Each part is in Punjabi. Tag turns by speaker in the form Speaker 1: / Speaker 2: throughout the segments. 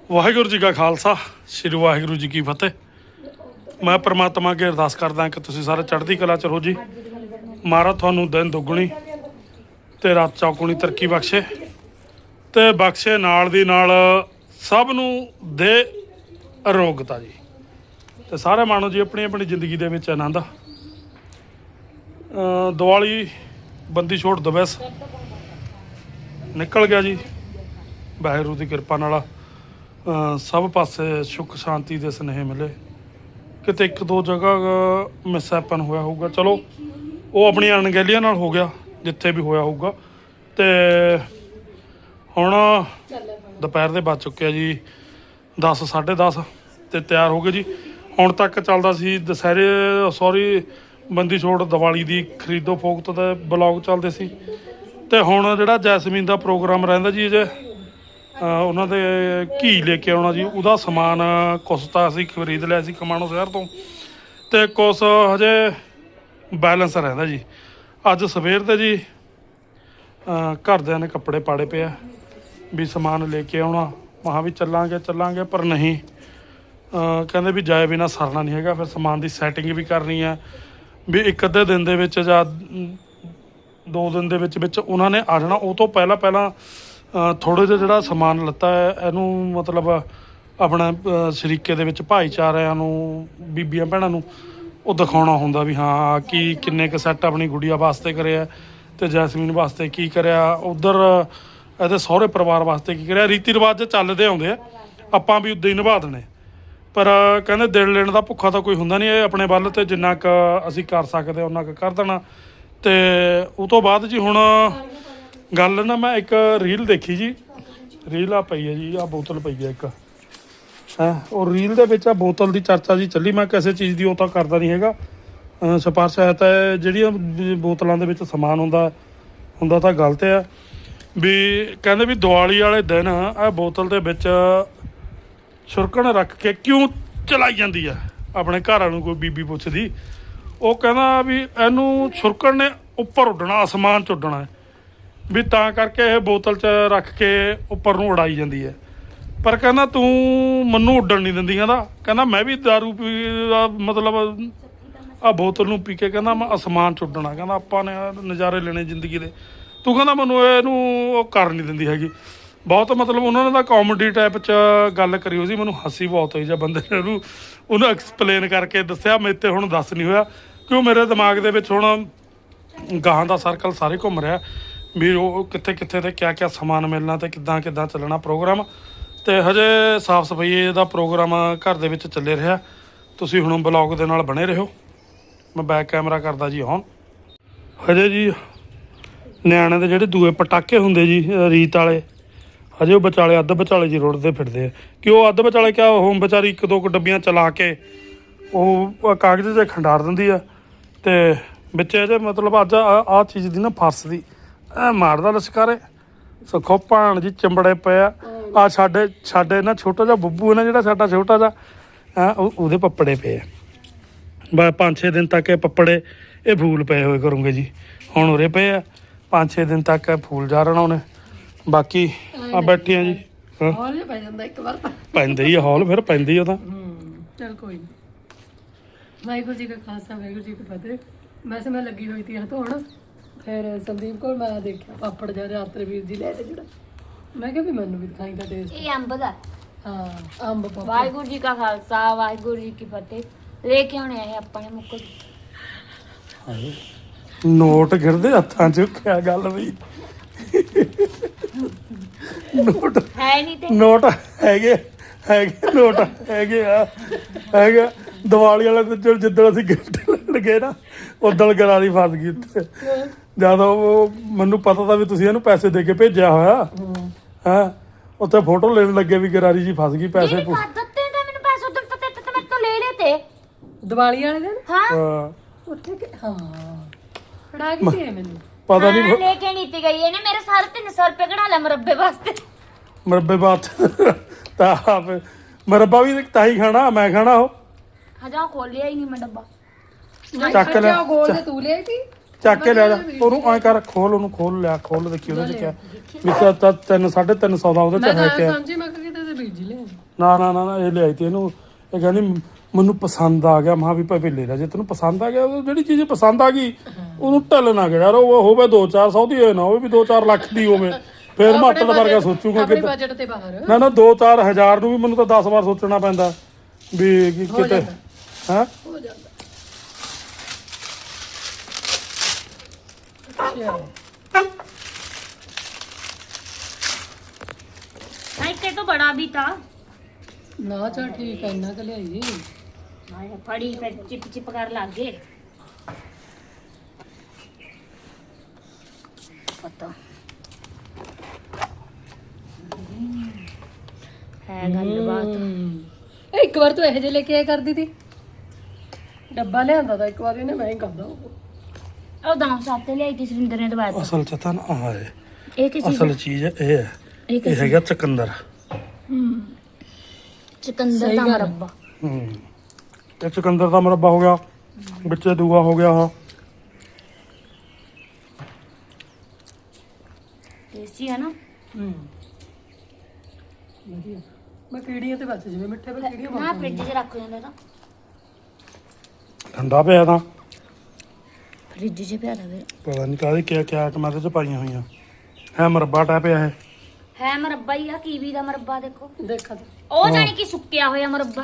Speaker 1: ਵਾਹਿਗੁਰੂ ਜੀ ਕਾ ਖਾਲਸਾ ਸ੍ਰੀ ਵਾਹਿਗੁਰੂ ਜੀ ਕੀ ਫਤਿਹ। ਮੈਂ परमात्मा ਅੱਗੇ ਅਰਦਾਸ ਕਰਦਾ ਕਿ ਤੁਸੀਂ ਸਾਰੇ ਚੜ੍ਹਦੀ ਕਲਾ ਚ ਰਹੋ ਜੀ। ਮਹਾਰਾਜ ਤੁਹਾਨੂੰ ਦਿਨ ਦੁੱਗਣੀ ਤੇ ਰਾਤ ਚੌਗੁਣੀ ਤਰੱਕੀ ਬਖਸ਼ੇ ਤੇ ਬਖਸ਼ੇ ਨਾਲ ਦੀ ਨਾਲ ਸਭ ਨੂੰ ਦੇ ਅਰੋਗਤਾ ਜੀ। ਤੇ ਸਾਰੇ ਮਾਣੋ ਜੀ ਆਪਣੀ ਆਪਣੀ ਜ਼ਿੰਦਗੀ ਦੇ ਵਿੱਚ ਆਨੰਦ। ਦੀਵਾਲੀ ਬੰਦੀ ਛੋੜ ਦਿਵਸ ਨਿਕਲ ਗਿਆ ਜੀ। ਵਾਹਿਗੁਰੂ ਦੀ ਕਿਰਪਾ ਨਾਲ ਸਭ ਪਾਸੇ ਸੁੱਖ ਸ਼ਾਂਤੀ ਦੇ ਸੁਨੇਹੇ ਮਿਲੇ। ਕਿਤੇ ਇੱਕ ਦੋ ਜਗ੍ਹਾ ਮਿਸਹੈਪਨ ਹੋਇਆ ਹੋਊਗਾ, ਚਲੋ ਉਹ ਆਪਣੀਆਂ ਅਣਗਹਿਲੀਆਂ ਨਾਲ ਹੋ ਗਿਆ ਜਿੱਥੇ ਵੀ ਹੋਇਆ ਹੋਊਗਾ। ਤੇ ਹੁਣ ਦੁਪਹਿਰ ਦੇ ਵੱਜ ਚੁੱਕੇ ਆ ਜੀ 10 10:30 ਤੇ ਤਿਆਰ ਹੋ ਗਏ ਜੀ। ਹੁਣ ਤੱਕ ਚੱਲਦਾ ਸੀ ਦੁਸਹਿਰੇ ਬੰਦੀ ਛੋੜ ਦੀਵਾਲੀ ਦੀ ਖਰੀਦੋ ਫੋਕਤ ਦੇ ਬਲੌਗ ਚੱਲਦੇ ਸੀ। ਤੇ ਹੁਣ ਜਿਹੜਾ ਜੈਸਮੀਨ ਦਾ ਪ੍ਰੋਗਰਾਮ ਰਹਿੰਦਾ ਜੀ ਜੇ ਉਹਨਾਂ ਦੇ ਘੀ ਲੈ ਕੇ ਆਉਣਾ ਜੀ, ਉਹਦਾ ਸਮਾਨ ਕੁਛ ਤਾਂ ਅਸੀਂ ਖਰੀਦ ਲਿਆ ਸੀ ਖਮਾਣੋ ਸ਼ਹਿਰ ਤੋਂ ਤੇ ਕੁਛ ਹਜੇ ਬੈਲੈਂਸ ਰਹਿੰਦਾ ਜੀ। ਅੱਜ ਸਵੇਰ ਦੇ ਜੀ ਘਰਦਿਆਂ ਨੇ ਕੱਪੜੇ ਪਾੜੇ ਪਏ ਆ ਵੀ ਸਮਾਨ ਲੈ ਕੇ ਆਉਣਾ। ਮਹਾਂ ਵੀ ਚੱਲਾਂਗੇ ਪਰ ਨਹੀਂ, ਕਹਿੰਦੇ ਵੀ ਜਾਏ ਬਿਨਾਂ ਸਰਨਾ ਨਹੀਂ ਹੈਗਾ। ਫਿਰ ਸਮਾਨ ਦੀ ਸੈਟਿੰਗ ਵੀ ਕਰਨੀ ਹੈ ਵੀ ਇੱਕ ਅੱਧੇ ਦਿਨ ਦੇ ਵਿੱਚ ਜਾਂ 2 ਦਿਨ ਦੇ ਵਿੱਚ ਉਹਨਾਂ ਨੇ ਆ ਜਾਣਾ। ਉਹ ਤੋਂ ਪਹਿਲਾਂ ਥੋੜ੍ਹੇ ਜਿਹਾ ਜਿਹੜਾ ਸਮਾਨ ਲੱਤਾ ਹੈ ਇਹਨੂੰ ਮਤਲਬ ਆਪਣਾ ਸ਼ਰੀਕੇ ਦੇ ਵਿੱਚ ਭਾਈਚਾਰਿਆਂ ਨੂੰ ਬੀਬੀਆਂ ਭੈਣਾਂ ਨੂੰ ਉਹ ਦਿਖਾਉਣਾ ਹੁੰਦਾ ਵੀ ਹਾਂ ਕੀ ਕਿੰਨੇ ਕੁ ਸੈੱਟ ਆਪਣੀ ਗੁੜੀਆ ਵਾਸਤੇ ਕਰਿਆ ਤੇ ਜੈਸਮੀਨ ਵਾਸਤੇ ਕੀ ਕਰਿਆ, ਉੱਧਰ ਇਹਦੇ ਸਹੁਰੇ ਪਰਿਵਾਰ ਵਾਸਤੇ ਕੀ ਕਰਿਆ। ਰੀਤੀ ਰਿਵਾਜ ਚੱਲਦੇ ਆਉਂਦੇ ਆ, ਆਪਾਂ ਵੀ ਉੱਦਾਂ ਹੀ ਨਿਭਾ ਦੇਣੇ। ਪਰ ਕਹਿੰਦੇ ਦਿਲ ਲੈਣ ਦਾ ਭੁੱਖਾ ਤਾਂ ਕੋਈ ਹੁੰਦਾ ਨਹੀਂ। ਇਹ ਆਪਣੇ ਵੱਲ ਤੇ ਜਿੰਨਾ ਕੁ ਅਸੀਂ ਕਰ ਸਕਦੇ ਉਹਨਾਂ ਕੁ ਕਰ ਦੇਣਾ। ਤੇ ਉਹ ਤੋਂ ਬਾਅਦ ਜੀ ਹੁਣ ਗੱਲ ਨਾ ਮੈਂ ਇੱਕ ਰੀਲ ਦੇਖੀ ਜੀ। ਰੀਲ ਆ ਪਈ ਹੈ ਜੀ, ਆ ਬੋਤਲ ਪਈ ਹੈ ਇੱਕ ਹੈ। ਉਹ ਰੀਲ ਦੇ ਵਿੱਚ ਆ ਬੋਤਲ ਦੀ ਚਰਚਾ ਜੀ ਚੱਲੀ। ਮੈਂ ਕਿਸੇ ਚੀਜ਼ ਦੀ ਉਹ ਤਾਂ ਕਰਦਾ ਨਹੀਂ ਹੈਗਾ ਸਿਫਾਰਿਸ਼ ਹੈ ਤਾਂ ਜਿਹੜੀਆਂ ਬੋਤਲਾਂ ਦੇ ਵਿੱਚ ਸਮਾਨ ਹੁੰਦਾ ਤਾਂ ਗਲਤ ਆ। ਵੀ ਕਹਿੰਦੇ ਵੀ ਦੀਵਾਲੀ ਵਾਲੇ ਦਿਨ ਇਹ ਬੋਤਲ ਦੇ ਵਿੱਚ ਛੁਰਕਣ ਰੱਖ ਕੇ ਕਿਉਂ ਚਲਾਈ ਜਾਂਦੀ ਆ। ਆਪਣੇ ਘਰਾਂ ਨੂੰ ਕੋਈ ਬੀਬੀ ਪੁੱਛਦੀ, ਉਹ ਕਹਿੰਦਾ ਵੀ ਇਹਨੂੰ ਛੁਰਕਣ ਨੇ ਉੱਪਰ ਉੱਡਣਾ, ਅਸਮਾਨ 'ਚ ਉੱਡਣਾ ਵੀ ਤਾਂ ਕਰਕੇ ਇਹ ਬੋਤਲ 'ਚ ਰੱਖ ਕੇ ਉੱਪਰ ਨੂੰ ਉਡਾਈ ਜਾਂਦੀ ਹੈ। ਪਰ ਕਹਿੰਦਾ ਤੂੰ ਮੈਨੂੰ ਉੱਡਣ ਨਹੀਂ ਦਿੰਦੀ। ਕਹਿੰਦਾ ਮੈਂ ਵੀ ਦਾਰੂ ਮਤਲਬ ਆਹ ਬੋਤਲ ਨੂੰ ਪੀ ਕੇ ਕਹਿੰਦਾ ਮੈਂ ਅਸਮਾਨ 'ਚ ਉੱਡਣਾ। ਕਹਿੰਦਾ ਆਪਾਂ ਨੇ ਨਜ਼ਾਰੇ ਲੈਣੇ ਜ਼ਿੰਦਗੀ ਦੇ, ਤੂੰ ਕਹਿੰਦਾ ਮੈਨੂੰ ਇਹਨੂੰ ਉਹ ਕਰ ਨਹੀਂ ਦਿੰਦੀ ਹੈਗੀ। ਬਹੁਤ ਮਤਲਬ ਉਹਨਾਂ ਨੇ ਤਾਂ ਕਾਮੇਡੀ ਟਾਈਪ 'ਚ ਗੱਲ ਕਰੀ ਹੋਈ ਸੀ। ਮੈਨੂੰ ਹੱਸੀ ਬਹੁਤ ਹੋਈ ਜਾਂ ਬੰਦੇ ਨੇ ਉਹਨੂੰ ਐਕਸਪਲੇਨ ਕਰਕੇ ਦੱਸਿਆ। ਮੇਰੇ ਤੇ ਹੁਣ ਦੱਸ ਨਹੀਂ ਹੋਇਆ ਕਿਉਂ ਮੇਰੇ ਦਿਮਾਗ ਦੇ ਵਿੱਚ ਹੁਣ ਗਾਹਾਂ ਦਾ ਸਰਕਲ ਸਾਰੇ ਘੁੰਮ ਰਿਹਾ ਵੀ ਉਹ ਕਿੱਥੇ ਤੇ ਕਿਆ ਸਮਾਨ ਮਿਲਣਾ ਤੇ ਕਿੱਦਾਂ ਚੱਲਣਾ ਪ੍ਰੋਗਰਾਮ। ਤੇ ਹਜੇ ਸਾਫ਼ ਸਫਾਈ ਦਾ ਪ੍ਰੋਗਰਾਮ ਘਰ ਦੇ ਵਿੱਚ ਚੱਲੇ ਰਿਹਾ। ਤੁਸੀਂ ਹੁਣ ਬਲੌਗ ਦੇ ਨਾਲ ਬਣੇ ਰਹੋ। ਮੈਂ ਬੈਕ ਕੈਮਰਾ ਕਰਦਾ ਜੀ ਔਨ। ਹਜੇ ਜੀ ਨਿਆਣੇ ਦੇ ਜਿਹੜੇ ਦੂਏ ਪਟਾਕੇ ਹੁੰਦੇ ਜੀ ਰੀਤ ਵਾਲੇ, ਹਜੇ ਉਹ ਵਿਚਾਲੇ ਅੱਧ ਵਿਚਾਲੇ ਜੀ ਰੁੜਦੇ ਫਿਰਦੇ ਆ। ਕਿ ਉਹ ਅੱਧ ਵਿਚਾਲੇ ਕਿਆ ਉਹ ਵਿਚਾਰੀ 1-2 ਡੱਬੀਆਂ ਚਲਾ ਕੇ ਉਹ ਕਾਗਜ਼ 'ਚ ਖੰਡਾਰ ਦਿੰਦੀ ਆ ਤੇ ਵਿੱਚ ਇਹਦੇ ਮਤਲਬ ਅੱਜ ਆਹ ਚੀਜ਼ ਦੀ ਨਾ ਫਰਸ ਦੀ ਮਾਰਦਾ ਲਸ਼ਕਾਰੇ ਸੁੱਖੋ ਭਾਣ ਜੀ ਚਿੰਬੜੇ ਪਏ ਆ। ਸਾਡੇ ਨਾ ਛੋਟਾ ਜਿਹਾ ਬੱਬੂ ਹੈ ਨਾ ਜਿਹੜਾ ਸਾਡਾ ਛੋਟਾ ਜਿਹਾ ਉਹਦੇ ਪੱਪੜੇ ਪਏ ਆ। ਬਸ 5-6 ਦਿਨ ਤੱਕ ਇਹ ਪੱਪੜੇ ਇਹ ਫੂਲ ਪਏ ਹੋਏ ਕਰੂੰਗੇ ਜੀ। ਹੁਣ ਉਰੇ ਪਏ ਆ 5-6 ਦਿਨ ਤੱਕ ਫੂਲ ਜਾ ਰਹਿਣਾ ਉਹਨੇ। ਬਾਕੀ ਆ ਬੈਠੇ ਆ ਜੀ।
Speaker 2: ਹੌਲ ਪੈ ਜਾਂਦਾ ਇੱਕ ਵਾਰ ਤਾਂ
Speaker 1: ਪੈਂਦੇ ਹੀ ਹੌਲ ਫਿਰ ਪੈਂਦੀ ਉਹ ਤਾਂ।
Speaker 2: ਚਲ ਕੋਈ ਨਹੀਂ। ਵਾਹਿਗੁਰੂ ਜੀ ਕਾ ਖਾਲਸਾ ਵਾਹਿਗੁਰੂ ਜੀ ਕੀ ਫਤਿਹ। ਵੈਸੇ ਮੈਂ ਲੱਗੀ ਹੋਈ ਸੀ ਧੋਣ, ਫਿਰ ਸੰਦੀਪ ਕੋਲ ਮੈਂ ਦੇਖਿਆ ਪਾਪੜ ਜਿਹਾ ਰਾਤਰੇ ਵੀਰ ਜੀ ਲੈ ਤੇ ਜਿਹੜਾ ਮੈਂ ਕਿਹਾ ਵੀ ਮੈਨੂੰ ਵੀ ਦਿਖਾਈ ਦਾ ਟੇਸਟ।
Speaker 3: ਇਹ ਅੰਬ ਦਾ
Speaker 2: ਹਾਂ ਅੰਬ ਪਾਪੜ।
Speaker 3: ਵਾਹਿਗੁਰੂ ਜੀ ਕਾ ਖਾਲਸਾ ਵਾਹਿਗੁਰੂ ਜੀ ਕੀ ਫਤਿਹ। ਲੈ ਕੇ ਆਉਣੇ ਆ ਆਪਾਂ ਨੇ ਮੁੱਕ
Speaker 1: ਨੋਟ ਗਿਰਦੇ ਹੱਥਾਂ 'ਚ। ਕਿਆ ਗੱਲ ਬਈ ਨੋਟ
Speaker 3: ਹੈ ਨਹੀਂ ਤੇ
Speaker 1: ਨੋਟ ਹੈਗੇ ਨੋਟ ਹੈਗੇ ਦੀਵਾਲੀ ਵਾਲੇ ਦਿਨ ਜਿੱਦਣ ਅਸੀਂ ਗਿਫਟ ਲੈਣ ਗਏ ਨਾ ਉਦੋਂ ਗਰਾਰੀ ਫਸ ਗਈ ਉੱਥੇ। ਜਦ ਉਹ ਮੈਨੂੰ ਪਤਾ ਤਾਂ ਵੀ ਤੁਸੀਂ ਇਹਨੂੰ ਪੈਸੇ ਦੇ ਕੇ ਭੇਜਿਆ ਹੋਇਆ ਹੈ। ਉੱਥੇ ਫੋਟੋ ਲੈਣ ਲੱਗੇ ਵੀ ਗਰਾਰੀ ਜੀ ਫਸ ਗਈ। ਪੈਸੇ
Speaker 3: ਦਿੱਤੇ ਤਾਂ ਮੈਨੂੰ ਪੈਸੇ ਉਦੋਂ ਪਤਾ ਤੇ ਮੈਂ ਤੋਂ ਲੈ ਲਏ ਤੇ
Speaker 2: ਦੀਵਾਲੀ ਵਾਲੇ ਦਿਨ
Speaker 3: ਹਾਂ
Speaker 2: ਉੱਥੇ ਹਾਂ ਫੜਾ ਕੇ ਦੇ ਮੈਨੂੰ
Speaker 1: ਪਤਾ ਨਹੀਂ
Speaker 3: ਲੈ ਕੇ ਨਹੀਂ ਤੇ ਗਈ ਇਹਨੇ ਮੇਰੇ ਸਾਰੇ 300 ਰੁਪਏ ਕਢਾ ਲਿਆ ਮੁਰੱਬੇ ਵਾਸਤੇ।
Speaker 1: ਮੁਰੱਬੇ ਬਾਤ ਤਾਂ ਮੁਰੱਬਾ ਵੀ ਤਾਂ ਹੀ ਖਾਣਾ ਮੈਂ ਖਾਣਾ ਉਹ
Speaker 3: ਹਜਾ ਖੋਲਿਆ ਹੀ ਨਹੀਂ ਮੈਂ ਡੱਬਾ।
Speaker 1: ਚੱਕ ਲੈ
Speaker 2: ਗੋਲ ਤੇ ਤੂੰ ਲੈ ਸੀ
Speaker 1: ਚੱਕ ਕੇ ਲਿਆ ਜਾ ਉਹਨੂੰ ਐਂ ਕਰ ਖੋਲ ਉਹਨੂੰ ਖੋਲ ਲਿਆ ਖੋਲ ਦੇਖੀ ਉਹਦੇ 'ਚ ਕਿਆ ਵੀ ਤਾਂ 300-350 ਦਾ ਉਹਦੇ 'ਚ ਹੈ ਕਿਆ।
Speaker 2: ਸਮਝੀ ਮੈਂ ਕਿਹਾ ਕਿਤੇ ਵੀਰ ਜੀ ਲੈ
Speaker 1: ਨਾ ਨਾ ਨਾ ਨਾ, ਇਹ ਲਿਆਈ ਤੀ ਇਹਨੂੰ। ਇਹ ਕਹਿੰਦੀ ਮੈਨੂੰ ਪਸੰਦ ਆ ਗਿਆ। ਮਾਂ ਵੀ ਭਾਵੇਂ ਲੈ ਲੈ, ਜੇ ਤੈਨੂੰ ਪਸੰਦ ਆ ਗਿਆ, ਉਹ ਜਿਹੜੀ ਚੀਜ਼ ਪਸੰਦ ਆ ਗਈ ਉਹਨੂੰ ਢੱਲ ਨਾ ਗਿਆ ਯਾਰ। ਉਹ ਹੋਵੇ 2-400 ਦੀ ਹੋਏ ਨਾ ਹੋਵੇ ਵੀ 2-4 ਲੱਖ ਦੀ ਹੋਵੇ, ਫਿਰ ਮੈਂ ਅੱਟਲ ਵਰਗਾ ਸੋਚੂਗਾ
Speaker 2: ਆਪਣੇ
Speaker 1: ਕਿ
Speaker 2: ਬਜਟ ਤੇ ਬਾਹਰ
Speaker 1: ਨਾ ਨਾ 2-4 ਹਜ਼ਾਰ ਨੂੰ ਵੀ ਮੈਨੂੰ ਤਾਂ 10 ਵਾਰ ਸੋਚਣਾ ਪੈਂਦਾ ਵੀ ਕਿਤੇ ਹੈ।
Speaker 2: ਹੋ ਜਾਂਦਾ। ਅੱਛਾ
Speaker 3: नहीं के तो बड़ा भी था।
Speaker 2: ਨਾ ਚਲ ਠੀਕ ਹੈ, ਇੰਨਾ ਕੁ ਲਿਆਈ।
Speaker 3: हाँ फड़ी फिर चिप चिप कर लागे पता है गलबात।
Speaker 2: ਇਹ ਇੱਕ ਵਾਰ ਤੂੰ ਇਹੋ ਜਿਹੇ ਲੈ ਕੇ ਆਇਆ ਕਰਦੀ ਤੀ, ਡੱਬਾ ਲਿਆਂਦਾ ਤਾਂ ਇੱਕ ਵਾਰ ਇਹਨੇ, ਮੈਂ ਹੀ ਕਰਦਾ ਉਹ।
Speaker 3: ਉਹ ਦਾਮ ਸਾਤੇ ਲਿਆਈ ਤੀ ਸਰਿੰਦਰ ਨੇ ਦਵਾਇਆ।
Speaker 1: ਅਸਲ ਚ ਤਾਂ ਨਾ ਆਹ ਹੈ,
Speaker 3: ਇਹ ਕੀ ਚੀਜ਼
Speaker 1: ਅਸਲ ਚੀਜ਼ ਇਹ ਹੈ,
Speaker 3: ਇਹ
Speaker 1: ਇਹ ਹੈਗਾ ਚਕੰਦਰ।
Speaker 3: ਚਕੰਦਰ ਦਾ ਮਰੱਬਾ।
Speaker 1: ਇਹ ਚਕੰਦਰ ਦਾ ਮੁਰੱਬਾ ਹੋ ਗਿਆ, ਵਿੱਚ ਦੂਆ ਹੋ ਗਿਆ ਆਹ।
Speaker 3: ਟੇਸਟੀ ਹੈ ਨਾ।
Speaker 2: ਵਧੀਆ। ਮੈਂ ਕੀੜੀਆਂ ਤੇ ਬਚ ਜਿਵੇਂ ਮਿੱਠੇ ਪਰ ਕੀੜੀਆਂ
Speaker 3: ਨਾ
Speaker 2: ਬਹੁਤ
Speaker 3: ਫ੍ਰਿਜ 'ਚ ਰੱਖ ਜਾਂਦੇ ਤਾਂ
Speaker 1: ਠੰਡਾ ਪਿਆ ਤਾਂ
Speaker 3: ਫ੍ਰਿਜ 'ਚ ਪਿਆ ਰਵੇ।
Speaker 1: ਪਤਾ ਨਹੀਂ ਕਾਹਦੀ ਕਿਆ ਕਿਆ ਆਈਟਮਾਂ ਇਹਦੇ ਚ ਪਾਈਆਂ ਹੋਈਆਂ ਹੈ। ਮੁਰੱਬਾ ਟਾਈਪ ਹੈ
Speaker 3: ਹੈ ਮਰੱਬਾ ਹੀ ਆ, ਕੀਵੀ ਦਾ ਮਰੱਬਾ ਦੇਖੋ।
Speaker 2: ਦੇਖਾ ਤਾਂ
Speaker 3: ਉਹ ਜਾਨੀ ਕਿ ਸੁੱਕਿਆ ਹੋਇਆ ਮਰੱਬਾ।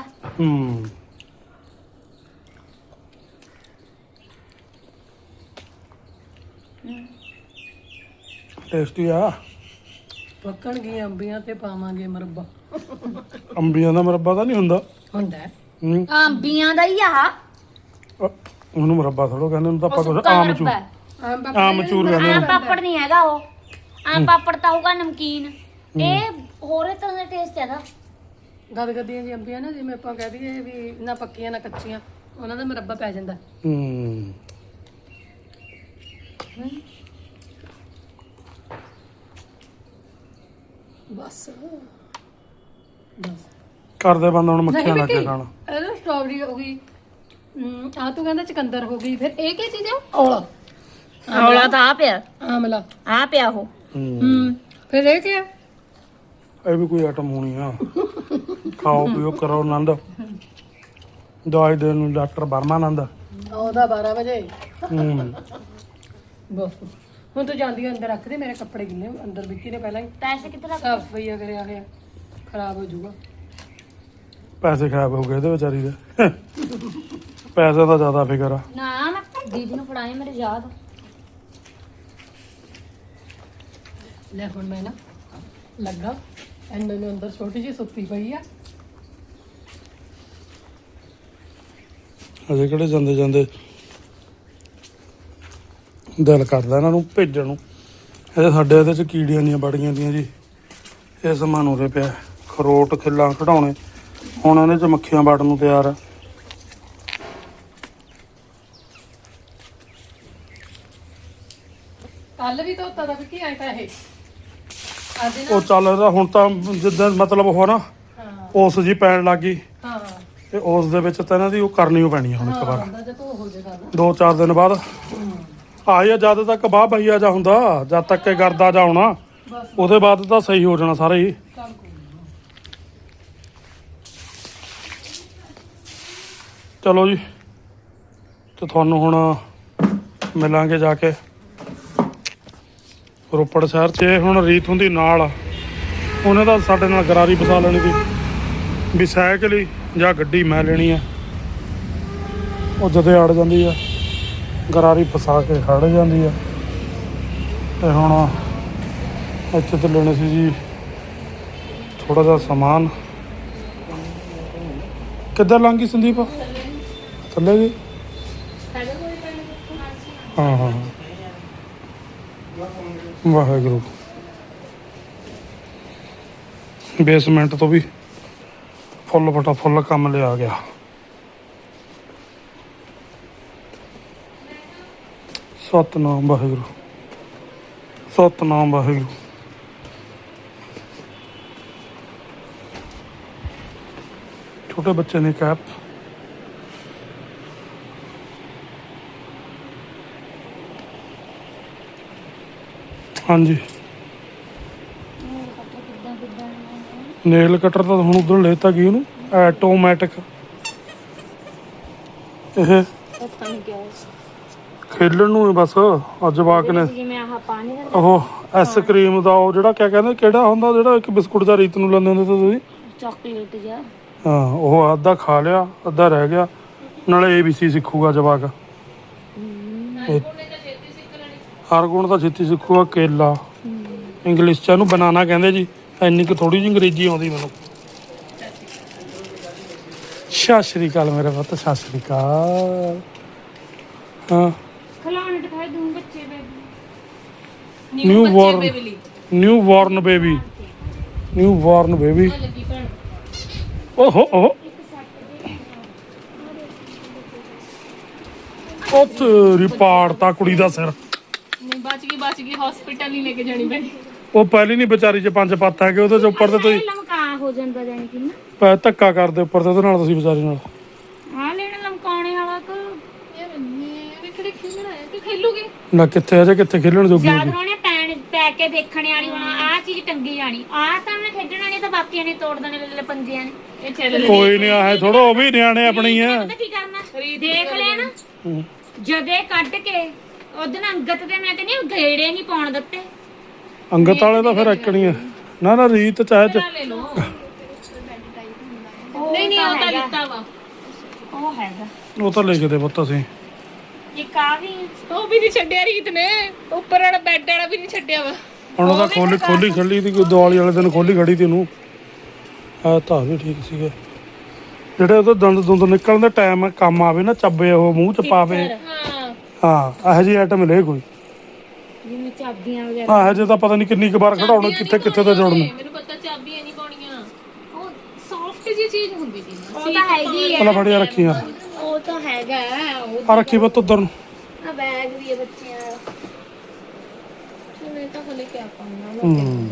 Speaker 1: ਟੇਸਟੀ ਆ।
Speaker 2: ਪੱਕਣਗੀਆਂ ਅੰਬੀਆਂ ਤੇ ਪਾਵਾਂਗੇ ਮਰੱਬਾ।
Speaker 1: ਅੰਬੀਆਂ ਦਾ ਮੁਰੱਬਾ ਤਾਂ ਨਹੀਂ ਹੁੰਦਾ।
Speaker 2: ਹੁੰਦਾ ਹੈ।
Speaker 3: ਅੰਬੀਆਂ ਦਾ ਹੀ ਆ।
Speaker 1: ਉਹਨੂੰ ਮੁਰੱਬਾ ਥੋੜੋ ਕਹਿੰਦੇ, ਉਹਨੂੰ ਤਾਂ
Speaker 3: ਉਹ
Speaker 1: ਆਪਾਂ ਕੁਛ
Speaker 3: ਸੁੱਕਾ
Speaker 1: ਆਮਚੂਰ
Speaker 3: ਮਰੱਬਾ ਹੈ।
Speaker 1: ਆਮਚੂਰ ਕਹਿੰਦੇ
Speaker 3: ਆਮ
Speaker 1: ਨੇ।
Speaker 3: ਪਾਪੜ ਨਹੀਂ ਹੈਗਾ ਉਹ। ਆਮ ਪਾਪੜ ਤਾਂ ਹੋਊਗਾ ਨਮਕੀਨ। ਇਹ ਹੋਰੇ ਤਰ੍ਹਾਂ ਦਾ ਟੇਸਟ ਹੈ ਦਾ।
Speaker 2: ਗਦਗਦੀਆਂ ਜੀ ਅੰਬੀਆਂ ਨਾ, ਜਿਵੇਂ ਆਪਾਂ ਕਹਿ ਦਈਏ ਵੀ ਨਾ ਪੱਕੀਆਂ ਨਾ ਕੱਚੀਆਂ, ਉਹਨਾਂ ਦਾ ਮਰੱਬਾ ਪੈ ਜਾਂਦਾ। ਬਸ ਬਸ
Speaker 1: ਕਰਦੇ ਬੰਦ ਹੁਣ ਮੱਖੀਆਂ ਲੱਗ ਕੇ ਖਾਣਾ।
Speaker 2: ਇਹ ਸਟ੍ਰਾਬੇਰੀ ਹੋ ਗਈ, ਆ ਤੂੰ ਕਹਿੰਦਾ ਚਕੰਦਰ ਹੋ ਗਈ, ਫਿਰ ਇਹ ਕੀ ਚੀਜ਼ ਆ? ਔਲਾ।
Speaker 3: ਔਲਾ ਤਾਂ ਆ ਪਿਆ,
Speaker 2: ਆਮਲਾ।
Speaker 3: ਆ ਪਿਆ ਉਹ।
Speaker 2: ਫਿਰ ਇਹ ਕੀ ਆ?
Speaker 1: ਇਹ ਵੀ ਕੋਈ ਆਈਟਮ ਹੋਣੀ ਆ। ਖਾਓ ਪੀਓ ਕਰੋ ਆਨੰਦ। ਦਵਾਈ ਦੇਣ ਨੂੰ ਡਾਕਟਰ ਬਰਮਾਨੰਦ।
Speaker 2: ਉਹਦਾ 12 ਵਜੇ।
Speaker 1: ਹੂੰ
Speaker 2: ਬਸ ਹੁਣ ਤੂੰ ਜਾਂਦੀ ਅੰਦਰ ਰੱਖ ਦੇ, ਮੇਰੇ ਕੱਪੜੇ ਗਿੱਲੇ ਅੰਦਰ। ਵਿੱਕੀ ਨੇ ਪਹਿਲਾਂ ਹੀ
Speaker 3: ਪੈਸੇ ਕਿੱਥੇ ਰੱਖ?
Speaker 2: ਸਾਫ ਸਫਾਈਆ ਕਰਿਆ ਹੋਇਆ, ਖਰਾਬ ਹੋ ਜਾਊਗਾ।
Speaker 1: ਪੈਸੇ ਖਰਾਬ ਹੋ ਗਏ ਇਹਦੇ ਵਿਚਾਰੀ ਦੇ। ਪੈਸੇ ਦਾ ਜ਼ਿਆਦਾ ਫਿਕਰ ਆ।
Speaker 3: ਨਾ ਮੈਂ ਦੀਦੀ ਨੂੰ ਫੜਾਏ, ਮੇਰੇ ਯਾਦ।
Speaker 2: ਲੈ ਹੁਣ ਮੈਂ ਨਾ ਲੱਗਾ ਇਹਨਾਂ ਨੂੰ ਅੰਦਰ, ਛੋਟੀ ਜਿਹੀ ਸੁੱਤੀ ਪਈ ਆ।
Speaker 1: ਅਜੇ ਕਿਹੜੇ ਜਾਂਦੇ ਜਾਂਦੇ ਦਿਲ ਕਰਦਾ ਇਹਨਾਂ ਨੂੰ ਭੇਜਣ ਨੂੰ। ਇਹ ਸਾਡੇ ਇਹਦੇ ਚ ਕੀੜੀਆਂ ਦੀਆਂ ਬੜੀਆਂ ਦੀਆਂ ਜੀ। ਇਹ ਸਮਾਨ ਉਰੇ ਪਿਆ, ਖਰੋਟ ਖਿੱਲਾਂ ਕਢਾਉਣੇ। ਹੁਣ ਇਹਦੇ ਚ ਮੱਖੀਆਂ ਵੜਨ ਨੂੰ ਤਿਆਰ ਆ।
Speaker 2: ਕੱਲ ਵੀ ਧੋਤਾ ਦਾ ਵਿੱਕੀ ਆਇਆ ਤਾਂ ਇਹ ਅੱਜ
Speaker 1: ਉਹ ਚੱਲ ਇਹਦਾ ਹੁਣ ਤਾਂ ਜਿੱਦਾਂ ਮਤਲਬ ਉਹ ਨਾ
Speaker 2: ਹਾਂ
Speaker 1: ਉਸ ਜੀ ਪੈਣ ਲੱਗ ਗਈ,
Speaker 2: ਹਾਂ
Speaker 1: ਤੇ ਉਸ ਦੇ ਵਿੱਚ ਤਾਂ ਇਹਨਾਂ ਦੀ ਉਹ ਕਰਨੀ ਓ ਪੈਣੀ ਆ ਹੁਣ ਇੱਕ ਵਾਰ।
Speaker 2: ਹਾਂ ਜੇ ਤੂੰ ਹੋ ਜਾਏਗਾ ਨਾ
Speaker 1: 2-4 ਦਿਨ ਬਾਅਦ ਆਇਆ, ਜਦ ਤੱਕ ਬਾਹ ਬਈਆ ਜਾ ਹੁੰਦਾ, ਜਦ ਤੱਕ ਇਹ ਗਰਦਾ ਜਾ ਹੋਣਾ,
Speaker 2: ਬਸ
Speaker 1: ਉਹਦੇ ਬਾਅਦ ਤਾਂ ਸਹੀ ਹੋ ਜਾਣਾ ਸਾਰਾ ਹੀ।
Speaker 2: ਚੱਲ ਕੋਈ ਨੀ।
Speaker 1: ਚਲੋ ਜੀ, ਤੇ ਤੁਹਾਨੂੰ ਹੁਣ ਮਿਲਾਂਗੇ ਜਾ ਕੇ ਰੋਪੜ ਸ਼ਹਿਰ 'ਚ। ਇਹ ਹੁਣ ਰੀਤ ਹੁੰਦੀ ਨਾਲ, ਉਹਨੇ ਤਾਂ ਸਾਡੇ ਨਾਲ ਗਰਾਰੀ ਫਸਾ ਲੈਣੀ ਸੀ ਵੀ ਸਾਈਕਲ ਹੀ ਜਾਂ ਗੱਡੀ ਮੈਂ ਲੈਣੀ ਆ। ਉਹ ਜਦੇ ਅੜ ਜਾਂਦੀ ਆ, ਗਰਾਰੀ ਫਸਾ ਕੇ ਖੜ ਜਾਂਦੀ ਆ। ਤੇ ਹੁਣ ਇੱਥੇ ਤੇ ਲੈਣੇ ਸੀ ਜੀ ਥੋੜਾ ਜਿਹਾ ਸਮਾਨ। ਕਿੱਧਰ ਲੰਘੀ ਸੰਦੀਪ? ਥੱਲੇ ਜੀ। ਹਾਂ ਹਾਂ ਵਾਹਿਗੁਰੂ। ਬੇਸਮੈਂਟ ਤੋਂ ਵੀ ਫੁੱਲ ਫਟਾ ਫੁੱਲ ਕੰਮ ਲਿਆ ਗਿਆ। ਸਤਨਾਮ ਵਾਹਿਗੁਰੂ, ਸਤਨਾਮ ਵਾਹਿਗੁਰੂ। ਛੋਟੇ ਬੱਚੇ ਨੇ ਕੈਪ। ਹਾਂਜੀ ਨੇਲ ਕਟਰ ਤਾਂ ਹੁਣ ਉਧਰ ਲੈਤਾ ਗਈ ਉਹਨੂੰ ਆਟੋਮੈਟਿਕ। ਇਹ
Speaker 3: ਪਤਾ ਨਹੀਂ ਕਿਉਂ
Speaker 1: ਖੇਲਣ ਨੂੰ ਹੀ ਬਸ ਅੱਜ ਜਵਾਕ ਨੇ
Speaker 3: ਜਿਵੇਂ ਆਹ ਪਾਣੀ ਦਾ
Speaker 1: ਉਹ ਆਈਸਕ੍ਰੀਮ ਦਾ ਉਹ ਜਿਹੜਾ ਕਿਆ ਕਹਿੰਦੇ ਕਿਹੜਾ ਹੁੰਦਾ ਜਿਹੜਾ ਇੱਕ ਬਿਸਕੁਟ ਦਾ ਰੀਤ ਨੂੰ ਲੈਂਦੇ ਹੁੰਦੇ ਸੀ ਤੁਸੀਂ?
Speaker 3: ਚਾਕਲੇਟ ਜਿਹਾ।
Speaker 1: ਹਾਂ ਉਹ ਅੱਧਾ ਖਾ ਲਿਆ ਅੱਧਾ ਰਹਿ ਗਿਆ। ਨਾਲੇ ABC ਸਿੱਖੂਗਾ ਜਵਾਕ। ਹਰ ਗੁਣ ਤਾਂ ਛੇਤੀ ਸਿੱਖੂਗਾ। ਕੇਲਾ ਇੰਗਲਿਸ਼ ਚ ਇਹਨੂੰ ਬਨਾਨਾ ਕਹਿੰਦੇ ਜੀ। ਇੰਨੀ ਕੁ ਥੋੜੀ ਜਿਹੀ ਅੰਗਰੇਜ਼ੀ ਆਉਂਦੀ ਮੈਨੂੰ। ਸਤਿ ਸ਼੍ਰੀ ਅਕਾਲ ਮੇਰੇ ਪੁੱਤ, ਸਤਿ ਸ਼੍ਰੀ ਅਕਾਲ। ਹਾਂ
Speaker 3: ਖਿਲਾਉਣੇ ਦਿਖਾਈ ਦੂੰ ਬੱਚੇ ਬੇਬੀ।
Speaker 1: ਨਿਊ ਬੋਰਨ ਬੇਬੀ ਓਹੋ ਓਹੋ ਉਹ ਤੇਰੀ ਪਾੜਤਾ ਕੁੜੀ ਦਾ ਸਿਰ।
Speaker 4: ਨਹੀਂ ਬਚ ਗਈ ਹਸਪੀਟਲ ਨਹੀਂ ਲੈ ਕੇ ਜਾਣੀ ਪੈਣੀ।
Speaker 1: ਉਹ ਪਹਿਲੀ ਨਹੀਂ ਵਿਚਾਰੀ ਚ 5 ਪੱਤ ਹੈਗੇ ਉਹਦੇ ਚ ਉੱਪਰ ਤੇ ਤੁਸੀਂ
Speaker 3: ਲਮਕਾ ਹੋ ਜਾਂਦਾ ਜਾਨੀ ਕਿ ਨਾ
Speaker 1: ਪੈ ਧੱਕਾ ਕਰਦੇ ਉੱਪਰ ਤੇ ਉਹਦੇ ਨਾਲ ਤੁਸੀਂ ਵਿਚਾਰੀ ਨਾਲ।
Speaker 3: ਆ ਲੈਣਾ ਲਮਕਾਉਣੇ ਵਾਲਾ ਕੋ
Speaker 4: ਯਾਰ ਮੈਂ ਕਿਹੜੇ ਖੇਲਣਾ ਹੈ ਕਿ ਖੇਲੂਗੇ।
Speaker 1: ਨਾ ਕਿੱਥੇ ਅਜੇ ਕਿੱਥੇ ਖੇਲਣ ਜੋਗੀ
Speaker 3: ਯਾਦ
Speaker 1: ਹੋਗੀ।
Speaker 3: ਹੋਣੇ ਪੈ ਕੇ ਦੇਖਣ ਵਾਲੀ ਹੁਣ ਆਹ ਚੀਜ਼ ਟੰਗੀ ਜਾਣੀ ਆਹ ਤਾਂ ਉਹਨੇ ਖੇਡਣਾ ਨਹੀਂ ਤਾਂ ਬਾਕੀਆਂ ਨੇ ਤੋੜ ਦੇਣੇ ਲੱਲੇ ਪੰਜਿਆਂ ਨੇ।
Speaker 4: ਇਹ ਚੱਲ
Speaker 1: ਕੋਈ ਨਹੀਂ ਆਏ ਥੋੜਾ ਉਹ ਵੀ ਨਿਆਣੇ ਆਪਣੇ ਹੀ ਆ।
Speaker 3: ਪਤਾ ਕੀ ਕਰਨਾ ਦੇਖ ਲਿਆ ਨਾ ਜਦੇ ਕੱਢ ਕੇ ਉਹਦੇ ਨਾਲ ਅੰਗਤ ਤੇ ਮੈਂ ਕਹਿੰਦੀ ਗੇੜੇ ਨਹੀਂ ਪਾਉਣ ਦਿੱਤੇ।
Speaker 1: ਅੰਗਤ ਵਾਲੇ ਤਾਂ ਫਿਰ ਇੱਕਣੀ ਆ। ਨਾ ਰੀਤ ਚਾਹੇ
Speaker 4: ਲੈ ਲਓ। ਨਹੀਂ ਉਹ ਤਾਂ ਲਿੱਤਾ ਵਾ।
Speaker 3: ਉਹ ਹੈਗਾ
Speaker 1: ਉਹ ਤਾਂ ਲੈ ਕੇ ਦੇ ਪੁੱਤ ਅਸੀਂ।
Speaker 3: ਇੱਕ ਆ ਵੀ
Speaker 4: ਉਹ ਵੀ ਨਹੀਂ ਛੱਡਿਆ ਰੀਤ ਨੇ। ਉੱਪਰ ਵਾਲਾ ਬੈੱਡ ਵਾਲਾ ਵੀ ਨਹੀਂ ਛੱਡਿਆ ਵਾ।
Speaker 1: ਹੁਣ ਉਹਦਾ ਖੋਲੀ ਖੜੀ ਦੀ ਕੋਈ ਦੀਵਾਲੀ ਵਾਲੇ ਦਿਨ ਖੋਲੀ ਖੜੀ ਤੀ ਉਹਨੂੰ। ਆ ਤਾਂ ਵੀ ਠੀਕ ਸੀਗੇ ਜਿਹੜੇ ਉਹਦੇ ਦੰਦ ਨਿਕਲਣ ਦੇ ਟਾਈਮ ਕੰਮ ਆਵੇ ਨਾ ਚੱਬੇ ਉਹ ਮੂੰਹ ਚ ਪਾਵੇ।
Speaker 4: ਹਾਂ
Speaker 1: ਹਾਂ ਇਹੋ ਜਿਹੀ ਆਈਟਮ ਲੈ ਕੋਈ।
Speaker 3: ਜਿਵੇਂ ਚਾਬੀਆਂ ਵਗੈਰਾ
Speaker 1: ਹਾਂ ਹਜੇ ਤਾਂ ਪਤਾ ਨਹੀਂ ਕਿੰਨੀ ਕੁ ਵਾਰ ਖੜਾਉਣਾ ਕਿੱਥੇ ਤੇ ਜੋੜਨਾ।
Speaker 4: ਮੈਨੂੰ ਪਤਾ ਚਾਬੀਆਂ ਨਹੀਂ ਪਾਉਣੀਆਂ। ਉਹ ਸੌਫਟ ਜਿਹੀ ਚੀਜ਼ ਹੁੰਦੀ ਸੀ।
Speaker 3: ਉਹ ਤਾਂ ਹੈਗੀ
Speaker 1: ਪਹਿਲਾਂ ਫੜਿਆ ਰੱਖੀਆਂ
Speaker 3: ਉਹ ਤਾਂ ਹੈਗਾ ਉਹ
Speaker 1: ਆ ਰੱਖੀ ਪੁੱਤ ਉਧਰ ਨੂੰ।
Speaker 3: ਆ ਬੈਗ ਵੀ ਹੈ ਬੱਚਿਆਂ ਦਾ।
Speaker 4: ਮੈਂ ਤਾਂ ਹਲੇ ਕਿਆ ਪਾਉਣਾ।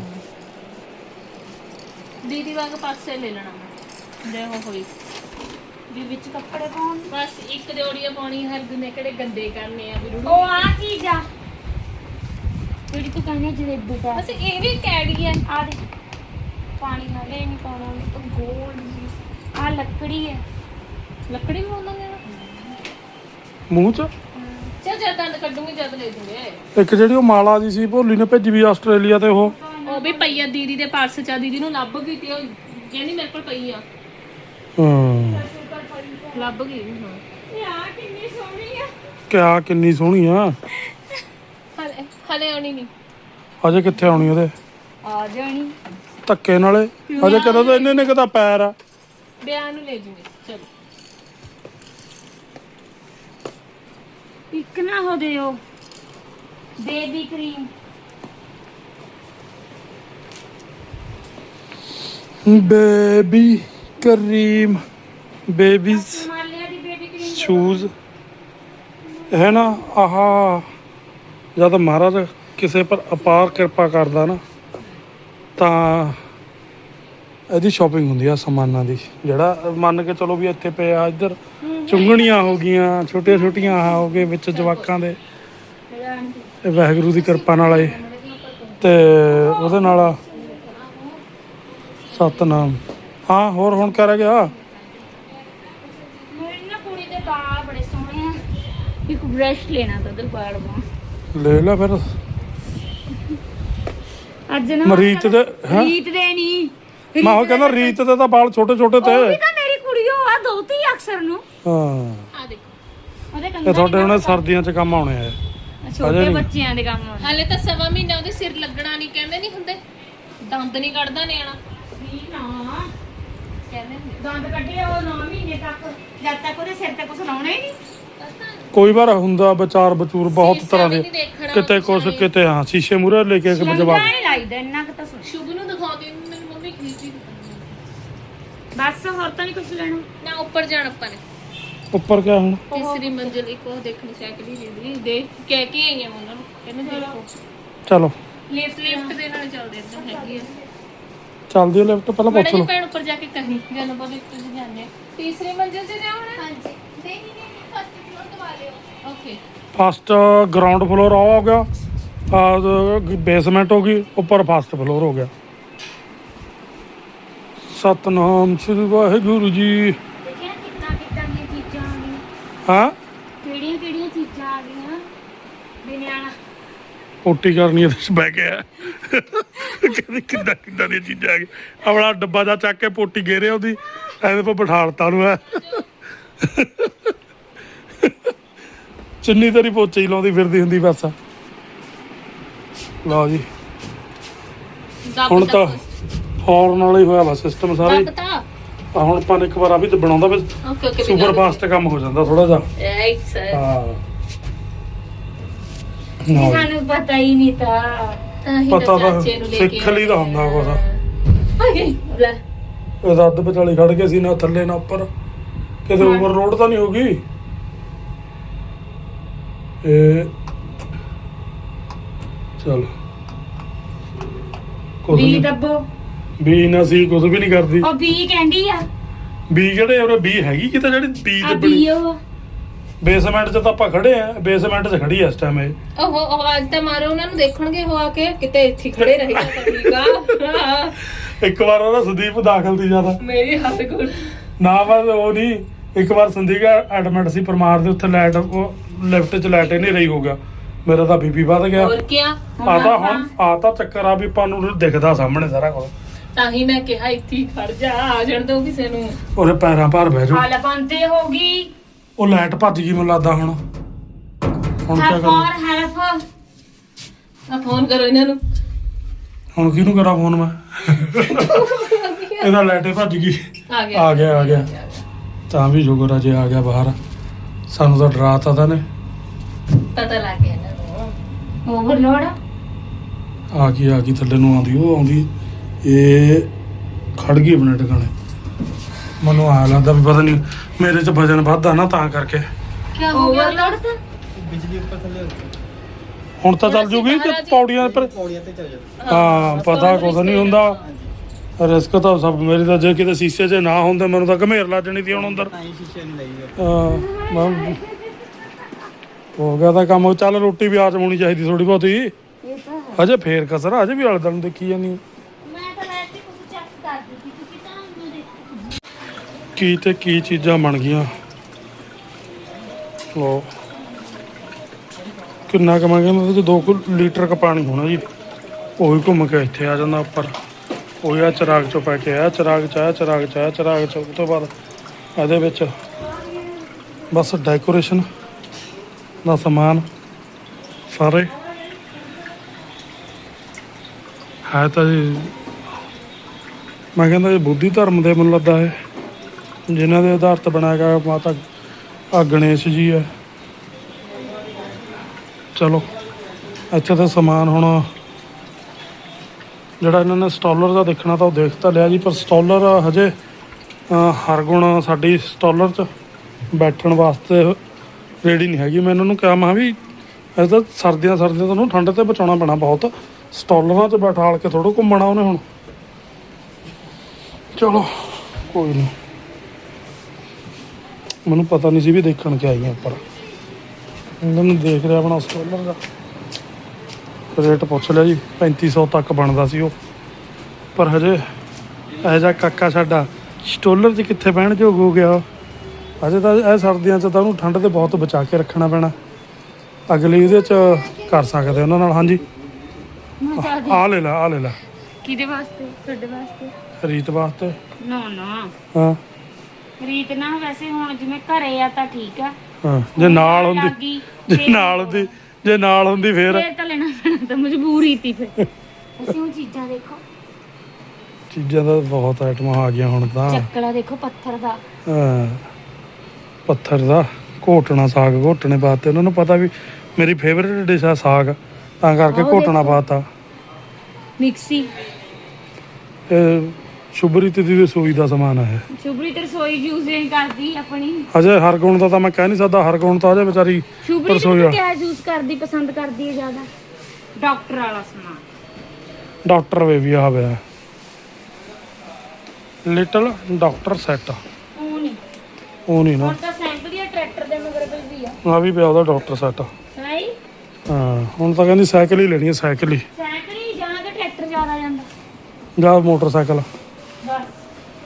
Speaker 4: ਦੀਦੀ ਵਾਂਗ ਪਾਸੇ ਲੈ ਲੈਣਾ ਮੈਂ ਜੇ ਉਹ ਹੋਈ
Speaker 3: ਵੀ ਵਿੱਚ ਕੱਪੜੇ ਪਾਉਣ
Speaker 4: ਬਸ ਇੱਕ ਜੋੜੀਆਂ ਪਾਉਣੀ ਹਰ ਦਿਨ ਕਿਹੜੇ ਗੰਦੇ ਕਰਨੇ ਆ ਵੀ
Speaker 3: ਉਹ ਆ ਚੀਜ਼ ਆ ਜਿਹੜੀ ਤੂੰ ਕਹਿੰਦੀ ਜਲੇਬੀ ਦਾ
Speaker 4: ਬਸ ਇਹ ਵੀ ਕੈੜੀ ਆ।
Speaker 3: ਆ ਦੇ ਪਾਣੀ ਨਾਲ ਇਹ ਨਹੀਂ ਪਾਉਣਾ ਤਾਂ ਗੋਲ ਆ ਲੱਕੜੀ ਹੈ
Speaker 4: ਲੱਕੜੀ ਵੀ ਉਹਨਾਂ ਨੇ
Speaker 1: ਮੂੰਹ ਚ
Speaker 4: ਚੱਲ ਜਦ ਦੰਦ ਕੱਢੂਗੀ ਜਦ ਲੈ ਦੂੰਗੇ।
Speaker 1: ਇੱਕ ਜਿਹੜੀ ਉਹ ਮਾਲਾ ਦੀ ਸੀ ਭੋਲੀ ਨੇ ਭੇਜੀ ਵੀ ਆਸਟ੍ਰੇਲੀਆ ਤੇ ਉਹ
Speaker 4: ਵੀ ਪਈ ਆ ਦੀਦੀ ਦੇ ਪਰਸ ਚ। ਦੀਦੀ ਨੂੰ ਲੱਭ ਗਈ ਤੇ ਉਹ ਕਹਿੰਦੀ ਮੇਰੇ ਕੋਲ ਪਈ ਆ।
Speaker 1: ਹਾਂ
Speaker 4: ਲੱਭ ਗਈ ਹਾਂ।
Speaker 3: ਇਹ ਆ ਕਿੰਨੀ ਸੋਹਣੀ ਆ
Speaker 1: ਕਿਆ ਕਿੰਨੀ ਸੋਹਣੀ ਆ।
Speaker 4: ਹਲੇ ਆਉਣੀ ਨਹੀਂ।
Speaker 1: ਅਜੇ ਕਿੱਥੇ ਆਉਣੀ ਉਹਦੇ
Speaker 3: ਆ ਜਾਣੀ
Speaker 1: ਧੱਕੇ ਨਾਲੇ। ਅਜੇ ਕਦੋਂ ਤਾਂ ਇੰਨੇ ਕਦਾ ਪੈਰ ਆ।
Speaker 4: ਵਿਆਹ ਨੂੰ ਲੈ ਜੂਗੇ ਚਲੋ।
Speaker 3: ਇੱਕ ਨਾ ਹੋ ਦਿਓ baby cream
Speaker 1: baby cream babies
Speaker 3: Himalaya ਦੀ ਬੇਬੀ ਕਰੀਮ
Speaker 1: ਸ਼ੂਜ਼ ਹੈ ਨਾ। ਆਹ ਜਦ ਮਹਾਰਾਜ ਕਿਸੇ ਪਰ ਅਪਾਰ ਕਿਰਪਾ ਕਰਦਾ ਨਾ ਤਾਂ ਇਹਦੀ ਸ਼ਾਪਿੰਗ ਹੁੰਦੀ ਆ ਸਮਾਨਾਂ ਦੀ। ਜਿਹੜਾ ਮੰਨ ਕੇ ਚਲੋ ਵੀ ਇੱਥੇ ਪਿਆ ਇੱਧਰ ਚੁੰਗਣੀਆਂ ਹੋ ਗਈਆਂ ਛੋਟੀਆਂ ਆਹ ਹੋ ਗਏ ਵਿੱਚ ਜਵਾਕਾਂ ਦੇ। ਇਹ ਵਾਹਿਗੁਰੂ ਦੀ ਕਿਰਪਾ ਨਾਲ ਆਏ ਤੇ ਉਹਦੇ ਨਾਲ ਸਤਨਾਮ। ਹਾਂ ਹੋਰ ਹੁਣ ਕਰ ਗਿਆ।
Speaker 3: ਮੇਰੀ ਨਾ ਕੁੜੀ ਦੇ ਵਾਲ ਬੜੇ ਸੋਹਣੇ ਆ। ਇੱਕ ਬ੍ਰਸ਼ ਲੈਣਾ ਤਾਂ ਉਧਰ ਵਾਲ ਬਾ
Speaker 1: ਲੈ ਲੈ ਫਿਰ
Speaker 3: ਅੱਜ ਨਾ
Speaker 1: ਮਰੀਤ ਦੇ ਹੈਂ?
Speaker 3: ਰੀਤ ਦੇ ਨਹੀਂ
Speaker 1: ਮੈਂ ਉਹ ਕਹਿੰਦਾ ਰੀਤ ਦੇ ਤਾਂ ਵਾਲ ਛੋਟੇ ਤੇ
Speaker 3: ਉਹ ਵੀ ਤਾਂ ਮੇਰੀ ਕੁੜੀ ਹੋ ਆ ਦੋਤੀ ਅਕਸਰ ਨੂੰ
Speaker 1: ਹਾਂ
Speaker 4: ਆ ਦੇਖੋ
Speaker 3: ਉਹਦੇ
Speaker 1: ਇਹ
Speaker 3: ਕੰਨਾਂ
Speaker 1: ਤੁਹਾਡੇ ਹੁਣ ਸਰਦੀਆਂ 'ਚ ਕੰਮ ਆਉਣੇ ਆ
Speaker 3: ਛੋਟੇ ਬੱਚਿਆਂ ਦੇ ਕੰਮ ਆਉਣੇ
Speaker 4: ਹਲੇ ਤਾਂ ਸਵਾ ਮਹੀਨਾ ਉਹਦੇ ਸਿਰ ਲੱਗਣਾ ਨਹੀਂ ਕਹਿੰਦੇ ਨਹੀਂ ਹੁੰਦੇ। ਦੰਦ ਨਹੀਂ ਕੱਢਦਾ ਨਿਆਣਾ
Speaker 3: ਨਹੀਂ ਨਾ
Speaker 4: ਕਹਿੰਦੇ ਹੁੰਦੇ।
Speaker 3: ਦੰਦ ਕੱਢੇ ਉਹ 9 ਮਹੀਨੇ ਤੱਕ ਜਦ ਤੱਕ ਉਹਦੇ ਸਿਰ ਤੇ ਕੁਝ ਲਾਉਣਾ ਹੀ ਨਹੀਂ।
Speaker 1: ਕੋਈ ਵਾਰ ਹੁੰਦਾ ਵਿਚਾਰ ਬਚੂਰ ਬਹੁਤ ਤਰ੍ਹਾਂ ਦੇ
Speaker 4: ਨਹੀਂ ਦੇਖਣਾ
Speaker 1: ਕਿਤੇ ਕੁਛ ਕਿਤੇ ਹਾਂ ਸ਼ੀਸ਼ੇ ਮੂਰੇ ਲੈ ਕੇ ਜਵਾਬ
Speaker 3: ਲੰਗਾ ਨਹੀਂ ਲਾਈਦਾ ਇੰਨਾ ਕੁ ਤਾਂ ਸੁਣ
Speaker 4: ਸ਼ੁਭ ਨੂੰ ਦਿਖਾਉਂਦੀ ਹੁੰਦੀ, ਮੇਰੀ ਮੰਮੀ ਖੀਚੀ
Speaker 3: ਬਸ ਹੋਰ ਤਾਂ ਨਹੀਂ ਕੁਝ ਲੈਣਾ।
Speaker 4: ਨਾ ਉੱਪਰ ਜਾਣ ਆਪਾਂ ਨੇ
Speaker 1: ਉੱਪਰ ਕਿਆ ਹੁਣ
Speaker 4: ਤੀਸਰੀ ਮੰਜ਼ਿਲ ਇੱਕ ਉਹ ਦੇਖਣੀ ਸਾਈਕਲ ਹੀ ਲੈਂਦੀ ਦੇਖ ਕਹਿ ਕੇ ਆਈ ਆ ਮੈਂ ਉਹਨਾਂ ਨੂੰ ਕਹਿੰਦੇ ਦੇਖੋ
Speaker 1: ਚਲੋ
Speaker 4: ਲਿਫਟ ਦੇ ਨਾਲ ਚੱਲਦੇ ਇੱਦਾਂ ਹੈਗੀ ਆ।
Speaker 1: ਚੱਲਦੀ ਹੈ ਲਿਫਟ ਪਹਿਲਾਂ
Speaker 4: ਬੜੇ
Speaker 1: ਪੁੱਛ
Speaker 4: ਜੀ
Speaker 1: ਲਓ।
Speaker 4: ਭੈਣ ਉੱਪਰ ਜਾ ਕੇ ਕਹੀਂ ਜਦੋਂ ਬਹੁਤ ਇੱਕ ਤੁਸੀਂ ਜਾਂਦੇ ਆ। ਤੀਸਰੀ ਮੰਜ਼ਿਲ 'ਚ ਜਾਣਾ ਹਾਂਜੀ ਫਸਟ ਫਲੋਰ ਦਵਾ ਲਿਓ। ਓਕੇ
Speaker 1: ਫਸਟ ਗਰਾਊਂਡ ਫਲੋਰ ਆ ਹੋ ਗਿਆ ਬੇਸਮੈਂਟ ਹੋ ਗਈ ਉੱਪਰ ਫਸਟ ਫਲੋਰ ਹੋ ਗਿਆ। ਸਤਨਾਮ ਸ੍ਰੀ ਵਾਹਿਗੁਰੂ ਜੀ।
Speaker 3: ਦੇਖਿਆ ਕਿੰਨਾ ਕਿੱਦਾਂ ਦੀਆਂ ਚੀਜ਼ਾਂ ਆ ਗਈਆਂ,
Speaker 1: ਹਾਂ
Speaker 3: ਕਿਹੜੀਆਂ ਕਿਹੜੀਆਂ ਚੀਜ਼ਾਂ ਆ ਗਈਆਂ ਵੀ ਨਿਆਣਾ
Speaker 1: ਪੋਟੀ ਕਰਨੀ ਇਹਦੇ 'ਚ ਬਹਿ ਗਿਆ ਕਹਿੰਦੀ ਕਿੱਦਾਂ ਕਿੱਦਾਂ ਦੀਆਂ ਚੀਜ਼ਾਂ ਆ ਗਈਆਂ। ਆਪਣਾ ਡੱਬਾ ਜਾ ਚੱਕ ਕੇ ਪੋਟੀ ਗੇਰੇ ਉਹਦੀ ਇਹਦੇ ਪਰ ਬਿਠਾਲਤਾ ਨੂੰ ਹੈ ਚੁੰਨੀ ਤੇਰੀ ਪੋਚੇ ਹੀ ਲਾਉਂਦੀ ਫਿਰਦੀ ਹੁੰਦੀ ਬਸ। ਲਓ ਜੀ ਹੁਣ ਤਾਂ ਹੌਰਨ ਨਾਲ ਹੀ ਹੋਇਆ ਵਾ ਸਿਸਟਮ ਸਾਰੇ।
Speaker 4: ਪਤਾ
Speaker 1: ਹੁਣ ਆਪਾਂ ਨੇ ਇੱਕ ਵਾਰ ਆ ਵੀ ਤੇ ਬਣਾਉਂਦਾ ਫਿਰ
Speaker 4: ਓਕੇ ਓਕੇ
Speaker 1: ਸੁਪਰ ਫਾਸਟ ਕੰਮ ਹੋ ਜਾਂਦਾ ਥੋੜਾ ਜਿਹਾ।
Speaker 4: ਰਾਈਟ ਸਰ
Speaker 1: ਹਾਂ
Speaker 3: ਸਾਨੂੰ ਪਤਾ ਹੀ ਨਹੀਂ ਤਾਂ
Speaker 1: ਪਤਾ ਤਾਂ ਸਿੱਖ ਲਈ ਦਾ ਹੁੰਦਾ ਕੁਛ।
Speaker 4: ਲੈ
Speaker 1: ਇਹ ਅੱਧ ਵਿਚਾਲੀ ਖੜ ਕੇ ਸੀ ਨਾ ਥੱਲੇ ਨਾ ਉੱਪਰ ਕਿਤੇ ਓਵਰ ਰੋਡ ਤਾਂ ਨਹੀਂ ਹੋ ਗਈ। ਇਹ ਚਲ ਕੁਝ
Speaker 3: ਬੀ
Speaker 1: ਨਹੀਂ
Speaker 3: ਦੱਬੋ
Speaker 1: ਬੀ ਨਾ ਸੀ ਕੁਝ ਵੀ ਨਹੀਂ ਕਰਦੀ।
Speaker 3: ਉਹ ਬੀ ਕਹਿੰਦੀ ਆ
Speaker 1: ਬੀ ਜਿਹੜੇ ਉਹਨੇ ਬੀ ਹੈਗੀ ਕਿਤੇ ਜਿਹੜੀ ਬੀ
Speaker 3: ਆ
Speaker 1: ਤੇ
Speaker 3: ਬੀ
Speaker 1: ਬਣੀ
Speaker 3: ਉਹ
Speaker 1: ਬੇਸਮੈਂਟ 'ਚ ਤਾਂ ਆਪਾਂ ਖੜੇ ਆ। ਬੇਸਮੈਂਟ 'ਚ ਖੜੀ ਆ ਇਸ ਟਾਈਮ ਇਹ।
Speaker 4: ਉਹ ਆਵਾਜ਼ ਤਾਂ ਮਾਰੋ ਉਹਨਾਂ ਨੂੰ ਦੇਖਣਗੇ ਹੋ ਆ ਕੇ ਕਿਤੇ ਇੱਥੇ ਹੀ ਖੜੇ ਰਹੇਗਾ ਤਾਂ ਠੀਕ ਆ
Speaker 1: ਇੱਕ ਵਾਰ ਉਹਦਾ ਸੰਦੀਪ ਦਾਖਲ ਸੀ ਜਿਆਦਾ
Speaker 4: ਮੇਰੀ ਹੱਥ ਗੁੜ
Speaker 1: ਨਾ ਬਸ ਉਹ ਨਹੀਂ। ਇੱਕ ਵਾਰ ਸੰਦੀਪ ਐਡਮਿਟ ਸੀ ਪਰਮਾਰ ਦੇ ਉੱਥੇ ਲਾਈਟ ਉਹ ਲਿਫਟ 'ਚ ਲਾਈਟ ਹੀ ਨਹੀਂ ਰਹੀ ਹੋਊਗਾ। ਮੇਰਾ ਤਾਂ ਬੀਪੀ ਵੱਧ ਗਿਆ।
Speaker 4: ਹੋਰ ਕੀ
Speaker 1: ਆ ਤਾਂ ਚੱਕਰ ਆ ਵੀ ਆਪਾਂ ਨੂੰ ਦਿਖਦਾ ਸਾਹਮਣੇ ਸਾਰਾ ਕੁਝ।
Speaker 4: ਤਾਂ ਹੀ ਮੈਂ ਕਿਹਾ ਇੱਥੇ ਹੀ ਖੜ ਜਾ ਆ ਜਾਣ ਦੋ ਕਿਸੇ ਨੂੰ।
Speaker 1: ਉਹਦੇ ਪੈਰਾਂ ਭਾਰ ਬਹਿ ਜਾਓ।
Speaker 3: ਹਾਲ ਬੰਦੇ ਹੋ ਗਈ
Speaker 1: ਉਹ ਲਾਈਟ ਭੱਜ ਗਈ ਮੈਨੂੰ ਲੱਗਦਾ ਹੁਣ ਕੀ ਕਰਾਂ
Speaker 3: ਫॉर ਹੈਲਪ
Speaker 4: ਆ ਫੋਨ ਕਰੋ ਇਹਨਾਂ ਨੂੰ।
Speaker 1: ਹੁਣ ਕਿਹਨੂੰ ਕਰਾਂ ਫੋਨ ਮੈਂ ਇਹਦਾ ਲਾਈਟ ਹੀ ਭੱਜ ਗਈ।
Speaker 4: ਆ ਗਿਆ
Speaker 1: ਤਾਂ ਵੀ ਸ਼ੁਕਰ ਆ ਜੇ ਆ ਗਿਆ ਬਾਹਰ। ਸਾਨੂੰ ਤਾਂ ਡਰਾਤਾ ਤਾਂ ਨੇ।
Speaker 4: ਪਤਾ ਲੱਗ ਗਿਆ ਇਹਨਾਂ ਨੂੰ।
Speaker 3: ਓਵਰਲੋਡ
Speaker 1: ਆ ਗਈ ਥੱਲੇ ਨੂੰ ਆਉਂਦੀ ਉਹ ਆਉਂਦੀ ਇਹ ਖੜ ਗਈ ਆਪਣੇ ਟਿਕਾਣੇ। ਮੈਨੂੰ ਆ ਲੱਗਦਾ ਵੀ ਪਤਾ ਨਹੀਂ ਮੇਰੇ 'ਚ ਵਜਨ ਵੱਧਦਾ ਨਾ ਤਾਂ ਕਰਕੇ।
Speaker 4: ਕੀ ਹੋ ਗਿਆ
Speaker 3: ਓਵਰਲੋਡ ਤਾਂ
Speaker 1: ਹੁਣ ਤਾਂ ਚੱਲ ਜੂਗੀ ਤੇ ਪੌੜੀਆਂ ਪਰ ਹਾਂ ਪਤਾ ਕੁਝ ਨਹੀਂ ਹੁੰਦਾ। ਰਿਸਕ ਤਾਂ ਸਭ ਮੇਰੀ ਤਾਂ ਜੇ ਕਿਤੇ ਸ਼ੀਸ਼ੇ 'ਚ ਨਾ ਹੁੰਦੇ ਮੈਨੂੰ ਤਾਂ ਘਮੇਰ ਲੱਗ ਜਾਣੀ ਸੀ ਹੁਣ ਅੰਦਰ। ਮੈਂ ਹੋ ਗਿਆ ਤਾਂ ਕੰਮ। ਚੱਲ ਰੋਟੀ ਵੀ ਆਚ ਹੋਣੀ ਚਾਹੀਦੀ ਥੋੜੀ ਬਹੁਤੀ। ਅਜੇ ਫੇਰ ਕਸਰ ਅਜੇ ਵੀ ਅਲਦਾ ਨੂੰ ਦੇਖੀ ਜਾਂਦੀ।
Speaker 3: ਮੈਂ ਤਾਂ ਵੈਸੇ ਕੁਝ ਚੈੱਕ ਕਰਦੀ ਸੀ ਤੁਸੀਂ ਤਾਂ ਮੈਨੂੰ ਦੇਖੋ
Speaker 1: ਕੀ ਤੇ ਕੀ ਚੀਜ਼ਾਂ ਬਣ ਗਈਆਂ। ਲੋ ਕਿੰਨਾ ਕੁ ਮੈਂ ਕਹਿੰਦਾ ਉਹਦੇ 'ਚ 2 ਲੀਟਰ ਕ ਪਾਣੀ ਹੋਣਾ ਜੀ। ਉਹੀ ਘੁੰਮ ਕੇ ਇੱਥੇ ਆ ਜਾਂਦਾ ਉੱਪਰ। ਉਹੀ ਆ ਚਿਰਾਗ 'ਚੋਂ ਪੈ ਕੇ ਆ ਚਿਰਾਗ 'ਚ ਆ ਚਿਰਾਗ 'ਚ ਆ ਚਿਰਾਗ 'ਚ। ਉਸ ਤੋਂ ਬਾਅਦ ਇਹਦੇ ਵਿੱਚ ਬਸ ਡੈਕੋਰੇਸ਼ਨ ਦਾ ਸਮਾਨ ਸਾਰੇ ਹੈ ਤਾਂ ਜੀ। ਮੈਂ ਕਹਿੰਦਾ ਇਹ ਬੁੱਧੀ ਧਰਮ ਦੇ ਮੈਨੂੰ ਲੱਗਦਾ ਹੈ ਜਿਨ੍ਹਾਂ ਦੇ ਆਧਾਰ 'ਤੇ ਬਣਾਇਆ ਗਿਆ ਮਾਤਾ ਆ ਗਣੇਸ਼ ਜੀ ਹੈ। ਚਲੋ ਇੱਥੇ ਤਾਂ ਸਮਾਨ ਹੁਣ ਜਿਹੜਾ ਇਹਨਾਂ ਨੇ ਸਟਾਲਰ ਦਾ ਦੇਖਣਾ ਤਾਂ ਉਹ ਦੇਖ ਤਾਂ ਲਿਆ ਜੀ। ਪਰ ਸਟਾਲਰ ਹਜੇ ਹਰਗੁਣ ਸਾਡੀ ਸਟਾਲਰ 'ਚ ਬੈਠਣ ਵਾਸਤੇ ਰੈਡੀ ਨਹੀਂ ਹੈਗੀ। ਮੈਂ ਇਹਨਾਂ ਨੂੰ ਕਿਹਾ ਮੈਂ ਵੀ ਇਹ ਤਾਂ ਸਰਦੀਆਂ ਤੁਹਾਨੂੰ ਠੰਡ ਤੇ ਬਚਾਉਣਾ ਪੈਣਾ ਬਹੁਤ। ਸਟਾਲਰਾਂ 'ਚ ਬੈਠਾਲ ਕੇ ਥੋੜ੍ਹਾ ਘੁੰਮਣਾ ਉਹਨੇ ਹੁਣ। ਚਲੋ ਕੋਈ ਨਹੀਂ। ਮੈਨੂੰ ਪਤਾ ਨਹੀਂ ਸੀ ਵੀ ਦੇਖਣ ਕੇ ਆਈਆਂ ਉੱਪਰ। ਇਹਨਾਂ ਨੂੰ ਦੇਖ ਰਿਹਾ ਆਪਣਾ ਸਟਾਲਰ ਦਾ ਰੇਟ ਪੁੱਛ ਲਿਆ ਜੀ। 3500 ਤੱਕ ਬਣਦਾ ਸੀ ਉਹ। ਪਰ ਹਜੇ ਇਹੋ ਜਿਹਾ ਕਾਕਾ ਸਾਡਾ ਸਟਾਲਰ 'ਚ ਕਿੱਥੇ ਬਹਿਣ ਯੋਗ ਹੋ ਗਿਆ। ਹਜੇ ਤਾਂ ਇਹ ਸਰਦੀਆਂ 'ਚ ਤਾਂ ਉਹਨੂੰ ਠੰਡ ਤੇ ਬਹੁਤ ਬਚਾ ਕੇ ਰੱਖਣਾ ਪੈਣਾ। ਅਗਲੀ ਇਹਦੇ 'ਚ ਕਰ ਸਕਦੇ ਉਹਨਾਂ ਨਾਲ। ਹਾਂਜੀ ਆ ਲੈ ਲੈ
Speaker 3: ਕਿਹਦੇ ਵਾਸਤੇ ਤੁਹਾਡੇ ਵਾਸਤੇ
Speaker 1: ਰੀਤ ਵਾਸਤੇ।
Speaker 3: ਨਾ
Speaker 1: ਹਾਂ
Speaker 3: ਰੀਤ ਨਾ ਵੈਸੇ ਹੁਣ ਜਿਵੇਂ ਘਰੇ ਆ ਤਾਂ ਠੀਕ ਆ।
Speaker 1: ਹਾਂ ਜੇ ਨਾਲ ਹੁੰਦੀ
Speaker 3: ਲੱਗੀ
Speaker 1: ਜੇ ਨਾਲ ਹੁੰਦੀ ਫੇਰ
Speaker 3: ਤਾਂ ਲੈਣਾ ਪੈਣਾ ਤਾਂ ਮਜਬੂਰੀ ਸੀ ਫਿਰ। ਅਸੀਂ ਉਹ ਚੀਜ਼ਾਂ ਦੇਖੋ
Speaker 1: ਚੀਜ਼ਾਂ ਦਾ ਬਹੁਤ ਆਈਟਮਾਂ ਆ ਗਈਆਂ ਹੁਣ ਤਾਂ।
Speaker 3: ਚੱਕਲਾ ਦੇਖੋ ਪੱਥਰ ਦਾ।
Speaker 1: ਹਾਂ ਪੱਥਰ ਦਾ ਘੋਟਣਾ ਸਾਗ ਘੋਟਣੇ ਵਾਸਤੇ ਉਹਨਾਂ ਨੂੰ ਪਤਾ ਵੀ ਮੇਰੀ ਫੇਵਰੇਟ ਡਿਸ਼ ਆ ਸਾਗ ਤਾਂ ਕਰਕੇ ਘੋਟਣਾ ਪਾਤਾ।
Speaker 3: ਮਿਕਸੀ
Speaker 1: ਇਹ ਸ਼ੁਭਰੀਤ ਦੀ ਰਸੋਈ ਦਾ ਸਮਾਨ ਹੈ।
Speaker 3: ਸ਼ੁਭਰੀਤ ਰਸੋਈ ਯੂਜ਼ ਨਹੀਂ ਕਰਦੀ ਆਪਣੀ।
Speaker 1: ਹਜੇ ਹਰਗੁਣ ਦਾ ਤਾਂ ਮੈਂ ਕਹਿ ਨਹੀਂ ਸਕਦਾ। ਹਰਗੁਣ ਤਾਂ ਹਜੇ ਵਿਚਾਰੀ
Speaker 3: ਸ਼ੁਭਰੀਤ
Speaker 1: ਰਸੋਈ
Speaker 3: ਨੂੰ ਕਿਆ ਯੂਜ਼ ਕਰਦੀ ਪਸੰਦ ਕਰਦੀ ਹੈ ਜ਼ਿਆਦਾ ਡਾਕਟਰ ਵਾਲਾ ਸਮਾਨ।
Speaker 1: ਡਾਕਟਰ ਬੇਬੀ ਆ ਪਿਆ ਲਿਟਲ ਡਾਕਟਰ ਸੈੱਟ। ਉਹ ਨਹੀਂ ਨਾ
Speaker 3: ਹੁਣ ਤਾਂ ਸਾਈਕਲ ਜਾਂ ਟਰੈਕਟਰ ਦੇ ਮਗਰ ਵੀ ਆ।
Speaker 1: ਆ ਵੀ ਪਿਆ ਉਹਦਾ ਡਾਕਟਰ ਸੈੱਟ।
Speaker 3: ਹਾਈ
Speaker 1: ਹਾਂ ਹੁਣ ਤਾਂ ਕਹਿੰਦੀ ਸਾਈਕਲ ਹੀ ਲੈਣੀ ਹੈ। ਸਾਈਕਲ ਹੀ
Speaker 3: ਸਾਈਕਲ ਹੀ ਜਾਂ ਤਾਂ ਟਰੈਕਟਰ ਜ਼ਿਆਦਾ ਜਾਂਦਾ
Speaker 1: ਜਾਂ ਮੋਟਰਸਾਈਕਲ।
Speaker 3: ਬਸ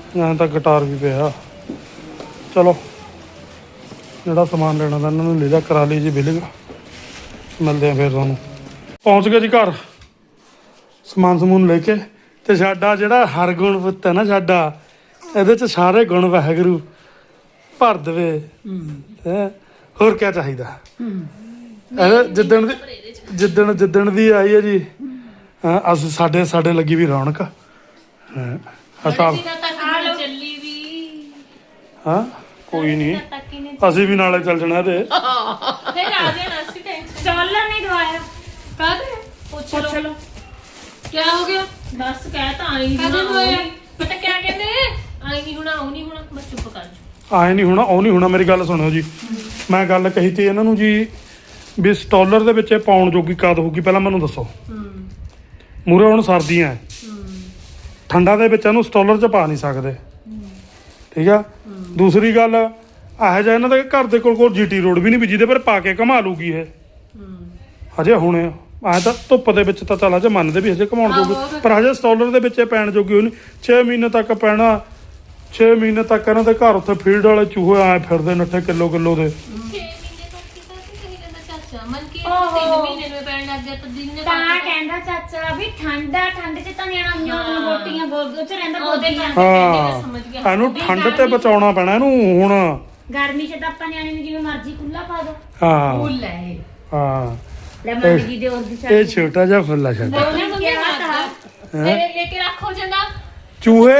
Speaker 1: ਐਂ ਤਾਂ ਗਿਟਾਰ ਵੀ ਪਿਆ। ਚਲੋ ਜਿਹੜਾ ਸਮਾਨ ਲੈਣਾ ਤਾਂ ਇਹਨਾਂ ਨੂੰ ਲੈ ਜਾ, ਕਰਾ ਲਈ ਜੀ ਬਿਲਿੰਗ। ਮਿਲਦੇ ਆ ਫਿਰ ਤੁਹਾਨੂੰ। ਪਹੁੰਚ ਗਏ ਜੀ ਘਰ ਸਮਾਨ ਸਮੂਨ ਲੈ ਕੇ। ਤੇ ਸਾਡਾ ਜਿਹੜਾ ਹਰਗੁਣ ਪੁੱਤ ਹੈ ਨਾ ਸਾਡਾ, ਇਹਦੇ ਚ ਸਾਰੇ ਗੁਣ ਵਾਹਿਗੁਰੂ ਭਰ ਦੇਵੇ। ਹੈਂ ਹੋਰ ਕੀ ਚਾਹੀਦਾ। ਇਹ ਜਿੱਦਣ ਦੀ ਆਈ ਹੈ ਜੀ, ਅਸੀਂ ਸਾਡੇ ਲੱਗੀ ਵੀ ਰੌਣਕ। ਹਿਸਾਬ
Speaker 4: ਚੱਲੀ ਵੀ
Speaker 1: ਹਾਂ ਕੋਈ ਨਹੀਂ, ਅਸੀਂ ਵੀ ਨਾਲੇ ਚੱਲ ਜਾਣਾ ਤੇ
Speaker 4: ਫਿਰ ਆ ਜਾਣਾ ਸੀ ਟੈਨਸ਼ਨ
Speaker 3: ਸਟਾਲਰ ਨਹੀਂ ਦਵਾਇਆ।
Speaker 2: ਕਾਹਦੇ
Speaker 4: ਪੁੱਛ
Speaker 3: ਪੁੱਛ
Speaker 4: ਲਓ
Speaker 3: ਲਓ
Speaker 2: ਕੀ ਹੋ ਗਿਆ?
Speaker 4: ਬਸ ਕਹਿ ਤਾਂ ਆਈ
Speaker 2: ਕਦੋਂ ਹੋਇਆ?
Speaker 4: ਪਤਾ ਕਿਆ ਕਹਿੰਦੇ ਆਈ ਨਹੀਂ ਹੋਣਾ ਉਹ ਨਹੀਂ ਹੋਣਾ ਬਸ ਚੁੱਪ ਕਰ ਜਾ।
Speaker 1: ਆਏ ਨਹੀਂ ਹੋਣਾ ਉਹ ਨਹੀਂ ਹੋਣਾ। ਮੇਰੀ ਗੱਲ ਸੁਣਿਓ ਜੀ, ਮੈਂ ਗੱਲ ਕਹੀ ਤੀ ਇਹਨਾਂ ਨੂੰ ਜੀ ਵੀ ਸਟਾਲਰ ਦੇ ਵਿੱਚ ਇਹ ਪਾਉਣ ਜੋਗੀ ਕਦ ਹੋਊਗੀ ਪਹਿਲਾਂ ਮੈਨੂੰ ਦੱਸੋ। ਮੂਰੇ ਹੁਣ ਸਰਦੀਆਂ ਠੰਡਾ ਦੇ ਵਿੱਚ ਇਹਨੂੰ ਸਟਾਲਰ 'ਚ ਪਾ ਨਹੀਂ ਸਕਦੇ, ਠੀਕ ਆ। ਦੂਸਰੀ ਗੱਲ ਇਹੋ ਜਿਹਾ ਇਹਨਾਂ ਦੇ ਘਰ ਦੇ ਕੋਲ ਜੀਟੀ ਰੋਡ ਵੀ ਨਹੀਂ ਵੀ ਜਿਹਦੇ ਪਰ ਪਾ ਕੇ ਘੁਮਾ ਲੂਗੀ ਇਹ। ਹਜੇ ਹੁਣ ਐਂ ਤਾਂ ਧੁੱਪ ਦੇ ਵਿੱਚ ਤਾਂ ਚੱਲ ਹਜੇ ਮੰਨਦੇ ਵੀ ਹਜੇ ਘੁਮਾਉਣ ਜੋਗੀ, ਪਰ ਹਜੇ ਸਟਾਲਰ ਦੇ ਵਿੱਚ ਇਹ ਪੈਣ ਜੋਗੀ ਹੋਣੀ। 6 ਮਹੀਨੇ ਤੱਕ ਪੈਣਾ। 6 ਮਹੀਨੇ ਤੱਕ ਇਹਨਾਂ ਦੇ ਘਰ ਉੱਥੇ ਫੀਲਡ ਵਾਲੇ ਚੂਹੇ ਆਏ ਫਿਰਦੇ ਨੱਠੇ ਕਿਲੋ ਦੇ।
Speaker 4: 6 ਮਹੀਨੇ ਤੱਕ ਕਿਤਾ ਸੀ ਕਹੀ ਜਾਂਦਾ ਚਾਚਾ ਮਨ ਕੀ 3 ਮਹੀਨੇ ਨੂੰ ਪੈਣ ਲੱਗ ਗਿਆ ਤਾਂ ਦਿਨ ਨੇ
Speaker 3: ਤਾਂ ਕਹਿੰਦਾ ਚਾਚਾ ਵੀ ਠੰਡ ਚ ਤਾਂ ਨਿਆਣਾ ਹੀਆਂ ਗੋਟੀਆਂ ਗੋਦ ਚ ਰਹਿੰਦਾ
Speaker 4: ਉਹਦੇ
Speaker 3: ਗੋਦੀਆਂ।
Speaker 1: ਹਾਂ
Speaker 4: ਸਮਝ ਗਿਆ
Speaker 1: ਇਹਨੂੰ ਠੰਡ ਤੇ ਬਚਾਉਣਾ ਪੈਣਾ ਇਹਨੂੰ ਹੁਣ।
Speaker 3: ਗਰਮੀ ਚ ਤਾਂ ਆਪਾਂ ਨਿਆਣੇ ਨੂੰ ਜਿਵੇਂ ਮਰਜ਼ੀ ਖੁੱਲਾ ਪਾ ਦੋ।
Speaker 1: ਹਾਂ
Speaker 2: ਫੁੱਲ ਹੈ ਇਹ।
Speaker 1: ਹਾਂ
Speaker 3: ਲੈ ਮੰਮੀ ਜੀ ਦੇ ਹੋਰ ਦੀ
Speaker 1: ਇਹ ਛੋਟਾ ਜਿਹਾ ਫੁੱਲਾ ਛੱਡ।
Speaker 3: ਉਹਨੇ ਕਿਹਾ ਤਾਂ
Speaker 4: ਲੈ ਕੇ ਰੱਖੋ ਜੰਦਾ
Speaker 1: ਚੂਹੇ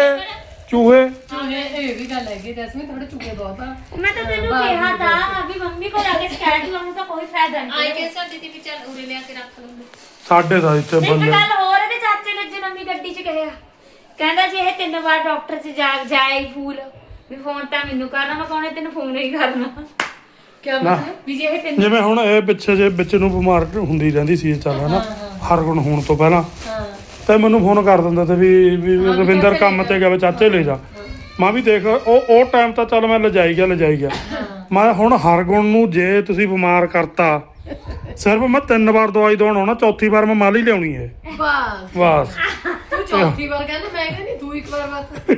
Speaker 2: ਇਹ ਵੀ ਗੱਲ ਹੈਗੀ ਜੈਸਮੀਨ, ਥੋੜੇ ਚੁੱਕੇ ਬਹੁਤ ਆ।
Speaker 3: ਮੈਂ ਤਾਂ ਤੈਨੂੰ ਕਿਹਾ ਤਾਂ ਵੀ ਮੰਮੀ ਕੋਲ ਆ ਕੇ ਸਕੈਟ ਲਾਉਣ ਦਾ ਕੋਈ ਫਾਇਦਾ
Speaker 4: ਆਈ
Speaker 3: ਨਹੀਂ।
Speaker 4: ਕੇ ਸਾਡੀ ਦੀ ਵੀ ਚੱਲ ਉਰੇ ਲਿਆ ਕੇ ਰੱਖ ਲਓ
Speaker 1: ਸਾਡੇ ਦਾ ਇੱਥੇ
Speaker 3: ਇੱਕ
Speaker 1: ਬੰਦੇ
Speaker 3: ਗੱਲ ਹੋਰ ਇਹਦੇ ਚਾਚੇ ਨੇ ਅੱਜ ਨਵੀਂ ਗੱਡੀ 'ਚ ਕਿਹਾ, ਕਹਿੰਦਾ ਜੇ ਇਹ 3 ਵਾਰ ਡਾਕਟਰ 'ਚ ਜਾਏ ਫੂਲ ਵੀ ਫੋਨ ਤਾਂ ਮੈਨੂੰ ਕਰਨਾ, ਮੈਂ ਕਹਣਾ ਤੈਨੂੰ ਫੋਨ ਨਹੀਂ ਕਰਨਾ।
Speaker 2: ਕਿਆ
Speaker 1: ਨਾ।
Speaker 2: ਮਤਲਬ?
Speaker 3: ਵੀ ਜੇ ਇਹ 3
Speaker 1: ਜਿਵੇਂ ਹੁਣ ਇਹ ਪਿੱਛੇ ਜੇ ਵਿੱਚ ਨੂੰ ਬਿਮਾਰ ਹੁੰਦੀ ਰਹਿੰਦੀ ਸੀ ਚੱਲ ਹਨਾ ਹਰਗੁਣ ਹੋਣ ਤੋਂ ਪਹਿਲਾਂ,
Speaker 2: ਹਾਂ
Speaker 1: ਤੇ ਮੈਨੂੰ ਫੋਨ ਕਰ ਦਿੰਦਾ ਤੇ ਵੀ ਰਵਿੰਦਰ ਕੰਮ ਤੇ ਗਿਆ, ਚਾਚੇ ਲੈ ਜਾ। ਮੈਂ ਵੀ ਦੇਖ ਉਹ ਟਾਈਮ ਤਾਂ ਚੱਲ ਮੈਂ ਲਿਜਾਈ ਗਿਆ। ਮੈਂ ਹੁਣ ਹਰਗੁਣ ਨੂੰ ਜੇ ਤੁਸੀਂ ਬਿਮਾਰ ਕਰਤਾ, ਸਿਰਫ ਮੈਂ 3 ਵਾਰ ਦਵਾਈ ਦਵਾਉਣ ਆਉਣਾ, ਚੌਥੀ ਵਾਰ ਮੈਂ ਮਾਲੀ ਲਿਆਉਣੀ ਹੈ ਬਸ।
Speaker 2: ਤੂੰ ਚੌਥੀ ਵਾਰ ਕਹਿੰਦਾ, ਮੈਂ ਕਹਿੰਦੀ ਤੂੰ ਇੱਕ ਵਾਰ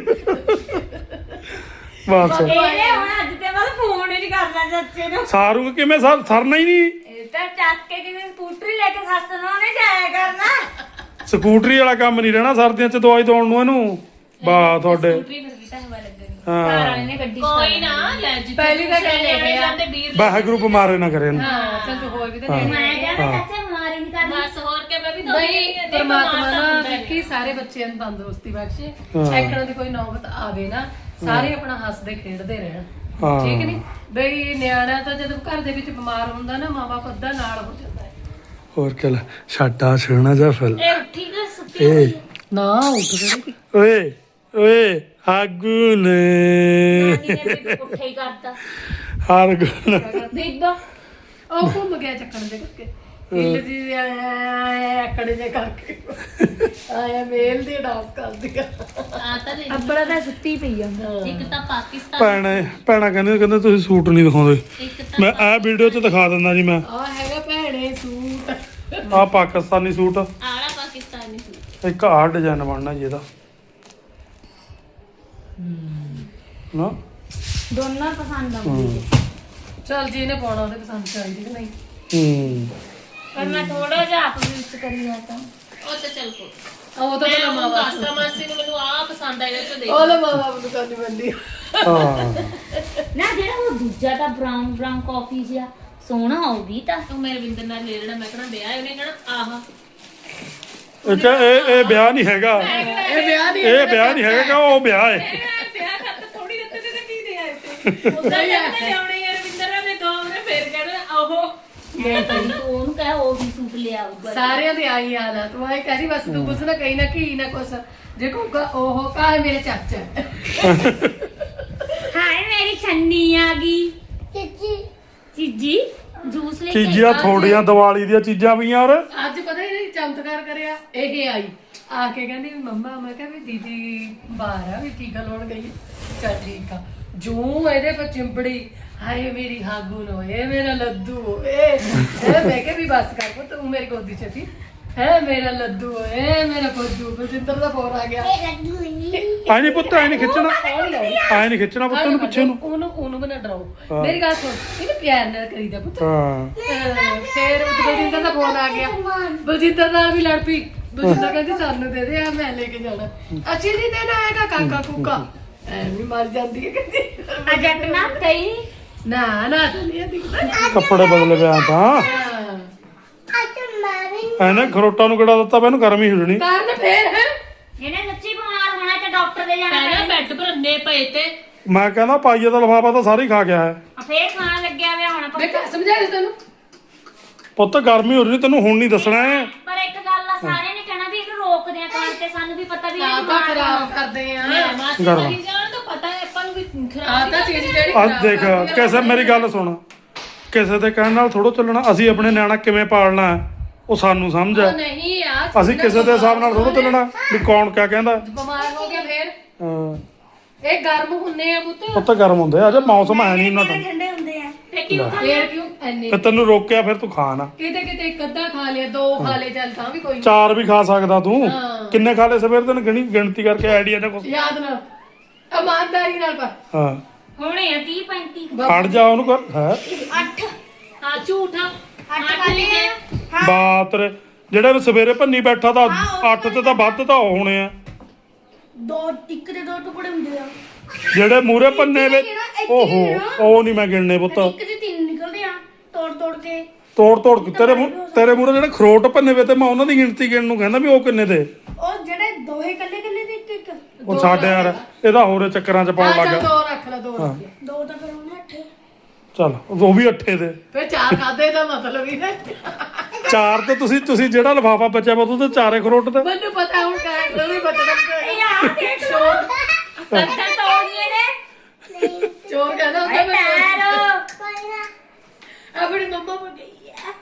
Speaker 2: ਬਸ
Speaker 3: ਇਹਨੇ ਹੁਣ ਅੱਜ ਤੇ ਬਾਅਦ ਫੋਨ ਹੀ ਨਹੀਂ ਕਰਨਾ ਚਾਚੇ ਨੂੰ।
Speaker 1: ਸਾਰੂ ਕਿਵੇਂ ਸਰਨਾ ਹੀ ਨਹੀਂ।
Speaker 3: ਇਹ ਤਾਂ ਚੱਕ ਕੇ ਕਿਵੇਂ ਸਕੂਟਰੀ ਲੈ ਕੇ ਸੱਸ ਨੂੰ ਉਹਨੇ ਜਾਇਆ ਕਰਨਾ।
Speaker 1: ਸਕੂਟਰੀ ਵਾਲਾ ਕੰਮ ਨਹੀਂ ਰਹਿਣਾ ਸਰਦੀਆਂ 'ਚ ਦਵਾਈ ਦਵਾਉਣ ਨੂੰ ਇਹਨੂੰ। ਵਾਹ ਤੁਹਾਡੇ
Speaker 4: ਸਕੂਟਰੀ ਫਿਰ ਵੀ ਤਾਂ ਹਵਾ ਲੱਗਣੀ
Speaker 1: ਹਾਂ
Speaker 3: ਘਰ ਵਾਲੇ ਨੇ ਗੱਡੀ
Speaker 4: ਕੋਈ ਨਾ ਲੈ ਜੀ
Speaker 2: ਪਹਿਲੀ ਤਾਂ ਗੱਲ ਇਹ ਹੈ।
Speaker 4: ਜਾਂਦੇ ਵੀਰ
Speaker 1: ਵਾਹਿਗੁਰੂ ਬਿਮਾਰੇ ਨਾ ਕਰੇ ਇਹਨੂੰ।
Speaker 2: ਹਾਂ ਚੱਲ ਤੂੰ ਹੋਰ ਵੀ ਤਾਂ
Speaker 1: ਹਾਂ।
Speaker 2: ਲੈਣੀ
Speaker 3: ਮੈਂ ਕਹਿੰਦਾ ਚਾਚਾ ਬਿਮਾਰੀ ਨਹੀਂ ਕਰਨੀ।
Speaker 4: ਬਸ ਹੋਰ ਕੇ ਮੈਂ ਵੀ
Speaker 2: ਨਹੀਂ ਪਰਮਾਤਮਾ ਨਾ ਕਿ ਸਾਰੇ ਬੱਚਿਆਂ ਨੂੰ ਤੰਦਰੁਸਤੀ ਬਖਸ਼ੇ, ਐਕੜਾਂ ਦੀ ਕੋਈ ਨੌਬਤ ਆਵੇ ਨਾ, ਸਾਰੇ ਆਪਣਾ ਹੱਸਦੇ ਖੇਡਦੇ ਰਹਿਣ,
Speaker 1: ਹਾਂ।
Speaker 2: ਠੀਕ ਨਹੀਂ ਬਈ। ਨਿਆਣਾ ਤਾਂ ਜਦੋਂ ਘਰ ਦੇ ਵਿੱਚ ਬਿਮਾਰ ਹੁੰਦਾ ਨਾ, ਮਾਂ ਬਾਪ ਅੱਧਾ ਨਾਲ ਹੋ ਜਾਂਦਾ ਹੈ।
Speaker 1: ਹੋਰ ਕਿਆ ਸਾਡਾ ਸੋਹਣਾ ਜਿਹਾ ਫੁੱਲ।
Speaker 3: ਇਹ ਉੱਠੀ ਨਾ ਸੁੱਤੀ
Speaker 1: ਏ
Speaker 2: ਨਾ ਉੱਠ ਜਿਹੜੀ
Speaker 1: ਓਏ ਆਗੂ ਨੇ
Speaker 3: ਨਾਨੀ ਨੇ ਵੀ ਉੱਠੇ ਹੀ ਕਰਤਾ।
Speaker 1: ਹਰਗੁਣ
Speaker 3: ਬੀਬਾ
Speaker 2: ਉਹ ਘੁੰਮ ਗਿਆ ਚੱਕਣ ਦੇ ਕਰਕੇ, ਹਿੱਲ ਜੀ ਆਕੜੇ ਜੇ ਕਰਕੇ ਆਇਆ ਮੇਲ ਦੀ ਡਾਂਸ ਕਰਦੀ ਆ।
Speaker 4: ਆ ਤਾਂ ਦੇ
Speaker 3: ਅੱਬੜਾ ਤਾਂ ਸੁੱਤੀ ਪਈ ਆ।
Speaker 4: ਇੱਕ ਤਾਂ ਪਾਕਿਸਤਾਨ
Speaker 1: ਭੈਣਾ ਕਹਿੰਦੇ ਤੁਸੀਂ ਸੂਟ ਨਹੀਂ ਦਿਖਾਉਂਦੇ।
Speaker 4: ਇੱਕ ਤਾਂ
Speaker 1: ਮੈਂ ਇਹ ਵੀਡੀਓ 'ਚ ਦਿਖਾ ਦਿੰਦਾ ਜੀ। ਮੈਂ
Speaker 2: ਆ ਹੈਗਾ ਭੈਣੇ ਸੂਟ।
Speaker 1: ਆਹ ਪਾਕਿਸਤਾਨੀ ਸੂਟ,
Speaker 4: ਆਲਾ ਪਾਕਿਸਤਾਨੀ ਸੂਟ
Speaker 1: ਇੱਕ ਆਹ ਡਿਜ਼ਾਈਨ ਬਣਨਾ ਜੀ ਇਹਦਾ ਨਾ।
Speaker 3: ਦੋਨਾਂ ਪਸੰਦ ਆਉਂਦੀ
Speaker 2: ਚੱਲ ਜੀ ਇਹਨੇ ਪਾਉਣਾ ਉਹਦੇ ਪਸੰਦ ਚਾਹੀਦੀ ਕਿ ਨਹੀਂ।
Speaker 3: ਪਰ ਮੈਂ ਥੋੜਾ ਜਿਹਾ ਆਪ ਵਿੱਚ ਕਰੀ ਆ ਤਾਂ
Speaker 4: ਉਹ ਤਾਂ ਚੱਲ ਕੋ
Speaker 2: ਉਹ ਤਾਂ
Speaker 4: ਮੈਂ
Speaker 2: ਮਾਂ ਬਾਪ
Speaker 4: ਦੱਸਦਾ ਮਾਸੀ ਨੂੰ ਮੈਨੂੰ ਆ ਪਸੰਦ ਆਇਆ ਤੇ ਦੇਖ
Speaker 2: ਉਹ ਲੈ ਮਾਂ ਬਾਪ ਨੂੰ ਕਰਨੀ ਪੈਂਦੀ।
Speaker 1: ਹਾਂ
Speaker 3: ਨਾ ਜਿਹੜਾ ਉਹ ਦੂਜਾ ਤਾਂ ਬਰਾਊਨ ਕਾਫੀ ਜਿਹਾ ਸੋਹਣਾ ਉਹ ਵੀ ਤਾਂ
Speaker 4: ਤੂੰ ਮੇਰੇ ਵਿੰਦਰ ਨਾਲ ਲੈ ਲੈਣਾ, ਮੈਂ ਕਹਣਾ ਵਿਆਹ ਉਹਨੇ ਕਹਣਾ ਆਹਾ
Speaker 1: ਇਹ ਵਿਆਹ ਨਹੀਂ ਹੈਗਾ,
Speaker 2: ਇਹ ਵਿਆਹ ਨਹੀਂ
Speaker 1: ਇਹ ਵਿਆਹ ਨਹੀਂ ਹੈਗਾ, ਉਹ ਵਿਆਹ ਹੈ।
Speaker 4: ਵਿਆਹ ਕਰ ਥੋੜੀ ਦਿੱਤੇ ਤੇ ਕੀ ਦੇ ਆਏ ਤੇ ਉਹਦਾ ਲਿਆਉਣੇ ਯਾਰ ਵਿੰਦਰ ਨੇ ਦੋ ਨੇ ਫੇਰ ਕਹਿਣਾ ਆਹੋ
Speaker 3: ਮੈਂ ਕਹਿੰਦੀ ਤੂੰ ਉਹਨੂੰ ਕਹਿ ਉਹ ਵੀ ਸੂਟ ਲਿਆ ਆਊਗਾ।
Speaker 2: ਸਾਰਿਆਂ ਦੇ ਆਈ ਹਾਲ ਆ। ਤੂੰ ਆਏ ਕਹਦੀ ਬਸ ਤੂੰ ਕੁਛ ਨਾ ਕਹੀ ਨਾ ਕੀ ਨਾ ਕੁਛ, ਜੇ ਕਹੂਗਾ ਉਹ ਕਾਹ ਮੇਰੇ ਚਾਚਾ।
Speaker 3: ਹਾਏ ਮੇਰੀ ਛੰਨੀ ਆ ਗਈ ਚੀਜੀ ਜੂਸ ਲੈ ਕੇ
Speaker 1: ਚੀਜ਼ਾਂ ਥੋੜੀਆਂ ਦੀਵਾਲੀ ਦੀਆਂ ਚੀਜ਼ਾਂ ਵੀ ਯਾਰ।
Speaker 2: ਅੱਜ ਪਤਾ ਹੀ ਚਮਤਕਾਰ ਕਰਿਆ। ਇਹ ਆਈ ਆ ਕੇ ਕਹਿੰਦੀ ਵੀ ਮੰਮਾ, ਮੈਂ ਕਿਹਾ ਵੀ ਦੀਦੀ ਬਾਹਰ ਆ ਵੀ ਟੀਕਾ ਲਾਉਣ ਗਈ। ਚੱਲ ਠੀਕ ਆ। ਜੂ ਇਹਦੇ ਪਰ ਚਿੰਬੜੀ, ਹਾਏ ਮੇਰੀ ਹਾਗੂ ਨੂੰ, ਇਹ ਮੇਰਾ ਲੱਦੂ ਓਏ। ਮੈਂ ਕਿਹਾ ਵੀ ਬਸ ਕਰ ਪੁੱਤ, ਤੂੰ ਮੇਰੀ ਗੋਦੀ ਚ ਸੀ। ਹੈ ਮੇਰਾ ਲੱਦੂ ਓਏ, ਮੇਰਾ ਫੁੱਦੂ। ਬਲਜਿੰਦਰ ਦਾ ਫੋਨ ਆ ਗਿਆ।
Speaker 1: ਆਈ ਨਹੀਂ ਪੁੱਤ, ਆਈ ਨਹੀਂ ਖਿੱਚਣਾ,
Speaker 2: ਹੌਲੀ ਹੌਲੀ
Speaker 1: ਆਈ ਨਹੀਂ ਖਿੱਚਣਾ ਪੁੱਤ ਨੂੰ ਪਿੱਛੇ ਨੂੰ।
Speaker 2: ਉਹਨੂੰ ਬਣਾ ਡਰਾਓ। ਮੇਰੀ ਗੱਲ ਸੁਣ, ਇਹਨੂੰ ਪਿਆਰ ਨਾਲ ਕਰੀਦਾ ਪੁੱਤ।
Speaker 1: ਹਾਂ
Speaker 2: ਫਿਰ ਬਲਜਿੰਦਰ ਦਾ ਫੋਨ ਆ ਗਿਆ, ਬਲਜਿੰਦਰ ਨਾਲ ਵੀ ਲੜ ਪਈ। ਬਲਜਿੰਦਰ ਕਹਿੰਦੀ ਸਾਨੂੰ ਦੇ ਦੇ, ਆ ਮੈਂ ਲੈ ਕੇ ਜਾਣਾ। ਅਸੀਂ ਨਹੀਂ ਦੇਣਾ ਹੈਗਾ ਕਾਕਾ ਕੁੱਕਾ, ਐਵੇਂ ਮਰ ਜਾਂਦੀ ਹੈ ਕਹਿੰਦੀ।
Speaker 3: ਅਜਟ ਨਾ ਤਈ
Speaker 2: ਨਾ ਨਾ ਤਾਂ ਨਹੀਂ ਦਿਖਦਾ।
Speaker 1: ਕੱਪੜੇ ਬਦਲੇ ਪਿਆ ਤਾਂ ਇਹਨੇ ਖਰੋਟਾ ਨੂੰ ਕਿਹੜਾ ਦਿੱਤਾ, ਮੈਨੂੰ ਗਰਮੀ ਹਿਲਣੀ।
Speaker 2: ਕਾਰਨ ਫੇਰ ਹੈ
Speaker 3: ਇਹਨੇ ਸੱਚੀ ਬਿਮਾਰ ਹੋਣਾ ਤੇ ਡਾਕਟਰ ਦੇ ਜਾਣਾ
Speaker 2: ਪਹਿਲਾਂ ਬੈੱਡ ਪਰ ਅੰਨੇ ਪਏ ਤੇ
Speaker 1: ਮੈਂ ਕਹਿੰਦਾ ਪਾਈਏ ਦਾ ਲਫਾਫਾ ਤਾਂ ਸਾਰੀ ਖਾ ਗਿਆ ਹੈ
Speaker 3: ਫੇਰ ਖਾਣ ਲੱਗਿਆ ਵੇ ਹੁਣ
Speaker 2: ਮੈਂ ਸਮਝਾ ਦੇ ਤੈਨੂੰ।
Speaker 1: ਪੁੱਤ ਗਰਮੀ ਹੋ ਰਹੀ, ਤੈਨੂੰ ਹੁਣ ਨਹੀਂ ਦੱਸਣਾ ਹੈ।
Speaker 3: ਪਰ ਇੱਕ ਗੱਲ ਆ, ਸਾਰਿਆਂ ਨੇ ਕਹਿਣਾ ਵੀ ਇਹਨੂੰ ਰੋਕਦੇ ਆ ਖਾਣ ਤੇ, ਸਾਨੂੰ ਵੀ ਪਤਾ ਵੀ ਇਹ
Speaker 2: ਤਾਂ
Speaker 3: ਬਿਮਾਰ
Speaker 2: ਖਰਾਬ ਕਰਦੇ ਆ।
Speaker 4: ਮਾਸੀ
Speaker 1: ਗਰਮ।
Speaker 4: ਮਰੀ ਜਾਣ ਤਾਂ ਪਤਾ ਹੈ ਆਪਾਂ ਨੂੰ ਵੀ
Speaker 2: ਆ
Speaker 4: ਖਰਾਬ
Speaker 2: ਤਾਂ ਚੀਜ਼ ਜਿਹੜੀ
Speaker 1: ਅੱਜ ਦੇਖ ਕਿਸੇ ਮੇਰੀ ਗੱਲ ਸੁਣ, ਕਿਸੇ ਦੇ ਕਹਿਣ ਨਾਲ ਥੋੜੋ ਚੱਲਣਾ। ਅਸੀਂ ਆਪਣੇ ਨਿਆਣਾ ਕਿਵੇਂ ਪਾਲਣਾ ਹੈ, ਉਹ ਸਾਨੂੰ ਸਮਝ ਹੈ।
Speaker 2: ਨਹੀਂ ਯਾਰ,
Speaker 1: ਅਸੀਂ ਕਿਸੇ ਦੇ ਹਿਸਾਬ ਨਾਲ ਥੋੜੋ ਚੱਲਣਾ ਵੀ ਕੌਣ ਕਿਆ ਕਹਿੰਦਾ।
Speaker 2: ਬਿਮਾਰ ਹੋ ਗਿਆ ਫੇਰ
Speaker 1: ਹਾਂ
Speaker 2: ਇਹ ਗਰਮ ਹੁੰਨੇ ਆ ਪੁੱਤ।
Speaker 1: ਪੁੱਤ ਗਰਮ ਹੁੰਦੇ ਆ, ਅਜੇ ਮੌਸਮ ਹੈ ਨਹੀਂ ਇੰਨਾ ਟਾਈਮ।
Speaker 3: ਠੰਡੇ ਹੁੰਦੇ ਆ।
Speaker 2: ਫੇਰ ਕਿਉਂ ਐਨੇ
Speaker 1: ਤੇ ਤੈਨੂੰ ਰੋਕਿਆ, ਫਿਰ ਤੂੰ ਖਾ ਨਾ।
Speaker 2: ਕਿਤੇ ਕਿਤੇ ਇੱਕ ਅੱਧਾ ਖਾ ਲਿਆ, ਦੋ ਖਾ ਲਏ, ਚੱਲ ਤਾਂ ਵੀ ਕੋਈ ਨੀ।
Speaker 1: 4 ਵੀ ਖਾ ਸਕਦਾ ਤੂੰ।
Speaker 2: ਹਾਂ।
Speaker 1: ਕਿੰਨੇ ਖਾ ਲਏ ਸਵੇਰ ਦਿਨ ਗਿਣਤੀ ਕਰਕੇ ਆਈਡੀਆ ਨਾ ਕੁਛ।
Speaker 2: ਯਾਦ ਨਾਲ ਇਮਾਨਦਾਰੀ ਨਾਲ ਪਰ
Speaker 1: ਹਾਂ
Speaker 3: ਹੋਣੇ ਆ 30 35
Speaker 1: ਖੜ ਜਾ ਉਹਨੂੰ ਕਰ ਹੈ
Speaker 3: 8
Speaker 4: ਹਾਂ ਝੂਠਾ
Speaker 3: 8 ਵਾਲੇ ਆ।
Speaker 1: ਬਾਤ ਰੇ, ਜਿਹੜੇ ਸਵੇਰੇ ਭੰਨੀ ਬੈਠਾ ਤਾਂ 8 ਤੇ ਤਾਂ ਵੱਧ ਤਾਂ ਹੋਣੇ ਆ।
Speaker 3: ਇੱਕ ਦੇ ਦੋ ਟੁਕੜੇ ਹੁੰਦੇ ਆ।
Speaker 1: ਜਿਹੜੇ ਮੂਰੇ ਭੰਨੇ ਵਿੱਚ ਓਹੋ ਉਹ ਨਹੀਂ ਮੈਂ ਗਿਣਨੇ ਪੁੱਤ।
Speaker 3: ਇੱਕ ਦੇ 3 ਨਿਕਲਦੇ ਆ ਤੋੜ ਤੋੜ ਕੇ।
Speaker 1: ਤੋੜ ਕੇ ਤੇਰੇ ਮੂਰੇ ਜਿਹੜੇ ਖਰੋਟ ਭੰਨੇ ਵੇ ਤੇ ਮੈਂ ਉਹਨਾਂ ਦੀ ਗਿਣਤੀ ਗਿਣਨ ਨੂੰ ਕਹਿੰਦਾ ਵੀ ਉਹ ਕਿੰਨੇ ਦੇ।
Speaker 3: ਉਹ ਜਿਹੜੇ ਦੋਹੇ ਕੱਲੇ ਕੱਲੇ ਦੇ ਇੱਕ ਇੱਕ
Speaker 1: ਉਹ ਸਾਡੇ ਯਾਰ ਇਹਦਾ ਹੋਰੇ ਚੱਕਰਾਂ 'ਚ ਪਾਉਣ
Speaker 2: ਚੱਲ
Speaker 1: ਲੱਗਾ।
Speaker 2: ਦੋ ਰੱਖ ਲੈ, ਦੋ ਰੱਖ ਲੈ।
Speaker 3: ਦੋ ਤਾਂ ਫਿਰ ਉਹਨੇ 8
Speaker 1: ਚੱਲ ਉਹ ਵੀ 8 ਦੇ।
Speaker 2: ਫੇਰ ਚਾਰ ਖਾਦੇ ਦਾ ਮਤਲਬ ਹੀ ਨਾ।
Speaker 1: 4 ਤੇ ਤੁਸੀਂ ਜਿਹੜਾ ਲਫਾਫਾ ਬਚਿਆ ਵਾ ਉਹਦੇ 4 ਖਰੋਟ ਤੇ।
Speaker 2: ਮੈਨੂੰ ਪਤਾ ਹੁਣ ਕਹਿ ਨਹੀਂ ਬਚਣਾ।
Speaker 3: ਯਾਰ ਦੇਖ ਲੋ ਕੰਤਾ ਤੋੜੀਏ ਨੇ
Speaker 2: ਚੋਰ ਕਹਿੰਦਾ ਹੁੰਦਾ ਮੈਂ
Speaker 3: ਪੈਰ
Speaker 2: ਆਪਣੀ ਮੰਮਾ ਕੋਲ ਗਈ ਆ।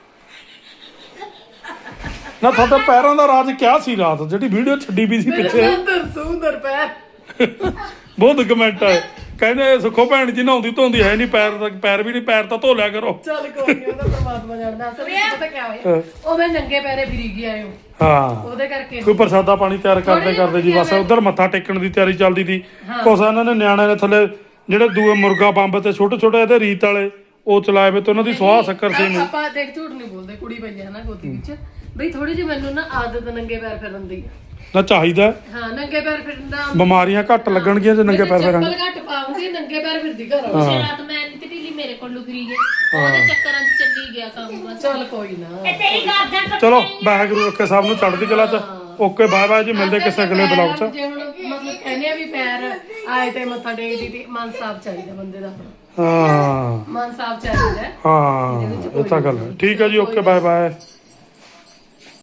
Speaker 1: ਨਾ ਤੁਹਾਡੇ ਪੈਰਾਂ ਦਾ ਰਾਜ ਕਿਆ ਸੀ ਰਾਤ ਜਿਹੜੀ ਵੀਡੀਓ ਛੱਡੀ ਵੀ ਸੀ ਪਿੱਛੇ।
Speaker 2: ਸੁੰਦਰ ਪੈਰ
Speaker 1: ਬਹੁਤ ਕਮੈਂਟ ਆਏ, ਕਹਿੰਦੇ ਸੁੱਖੋ ਭੈਣ ਜੀ ਨਹਾਉਂਦੀ ਧੋਂਦੀ ਹੈ ਨਹੀਂ, ਪੈਰ ਵੀ ਨਹੀਂ, ਪੈਰ ਤਾਂ ਧੋ ਲਿਆ ਕਰੋ।
Speaker 2: ਚੱਲ ਕੋਈ ਨਹੀਂ, ਉਹਦਾ ਪਰਮਾਤਮਾ ਜਾਣਦਾ। ਅਸਲ ਵਿੱਚ ਪਤਾ ਕਿਆ ਹੋਇਆ, ਉਹ ਮੈਂ ਨੰਗੇ ਪੈਰੇ ਫਿਰੀ ਗਿਆ ਆਇਓ,
Speaker 1: ਹਾਂ
Speaker 2: ਉਹਦੇ ਕਰਕੇ
Speaker 1: ਕੋਈ ਪ੍ਰਸਾਦਾ ਪਾਣੀ ਤਿਆਰ ਕਰਦੇ ਜੀ ਬਸ ਉਧਰ ਮੱਥਾ ਟੇਕਣ ਦੀ ਤਿਆਰੀ ਚੱਲਦੀ ਸੀ। ਕੁਛ ਇਹਨਾਂ ਨੇ ਨਿਆਣੇ ਨੇ ਥੱਲੇ ਜਿਹੜੇ ਦੂਏ ਮੁਰਗਾ ਬੰਬ ਤੇ ਛੋਟੇ ਛੋਟੇ ਇਹਦੇ ਰੀਤ ਵਾਲੇ ਉਹ ਚਲਾਏ ਵੇ ਤੇ ਉਹਨਾਂ ਦੀ ਸੁਆਹ ਸ਼ੱਕਰ ਸੀ ਨੂੰ।
Speaker 2: ਆਪਾਂ ਦੇਖ ਝੂਠ ਨਹੀਂ ਬੋਲਦੇ, ਕੁੜੀ ਪਈ ਹੈ ਨਾ ਗੋਦੀ ਵਿੱਚ ਬਈ, ਥੋੜੀ ਜਿਹੀ ਮੈਨੂੰ ਨਾ ਆਦਤ ਨੰਗੇ ਪੈਰ ਫਿਰਨ ਦੀ ਆ।
Speaker 1: ਨਾ ਚਾਹੀਦਾ
Speaker 2: ਹਾਂ ਨੰਗੇ ਪੈਰ ਫਿਰਨ ਦਾ।
Speaker 1: ਬਿਮਾਰੀਆਂ ਘੱਟ ਲੱਗਣਗੀਆਂ ਜੇ ਨੰਗੇ ਪੈਰ ਫਿਰਾਂਗੇ।
Speaker 2: ਚੱਪਲ ਘੱਟ ਪਾਉਂਗੀ, ਨੰਗੇ ਪੈਰ ਫਿਰਦੀ ਘਰ ਆ।
Speaker 4: ਉਸੇ ਰਾਤ ਮੈਂ ਨਹੀਂ ਤੇ ਢਿੱਲੀ ਮੇਰੇ ਕੋਲ ਲੁਕਰੀ ਗਈ, ਉਹਦੇ ਚੱਕਰਾਂ 'ਚ ਚੱਲੀ ਗਿਆ ਕੰਮ ਬਸ।
Speaker 2: ਚੱਲ ਕੋਈ ਨਾ,
Speaker 3: ਇਹ ਤੇਰੀ ਗਾਰਡਨ
Speaker 1: ਚਲੋ ਵਾਹਿਗੁਰੂ ਰੱਖੇ ਸਭ ਨੂੰ ਚੜ੍ਹਦੀ ਕਲਾ 'ਚ। ਓਕੇ ਬਾਏ ਬਾਏ ਜੀ, ਮਿਲਦੇ ਕਿਸੇ ਅਗਲੇ ਬਲੌਗ 'ਚ।
Speaker 2: ਜੇ ਹੁਣ ਮਤਲਬ ਕਹਿੰਦੇ ਆ ਵੀ ਪੈਰ ਆਏ ਤੇ ਮੱਥਾ ਟੇਕਦੀ ਤੇ ਮਨ ਸਾਫ ਚਾਹੀਦਾ ਬੰਦੇ ਦਾ,
Speaker 1: ਹਾਂ
Speaker 2: ਮਨ ਸਾਫ ਚਾਹੀਦਾ।
Speaker 1: ਹਾਂ ਇਹ ਤਾਂ ਗੱਲ ਹੈ। ਠੀਕ ਹੈ ਜੀ, ਓਕੇ ਬਾਏ ਬਾਏ।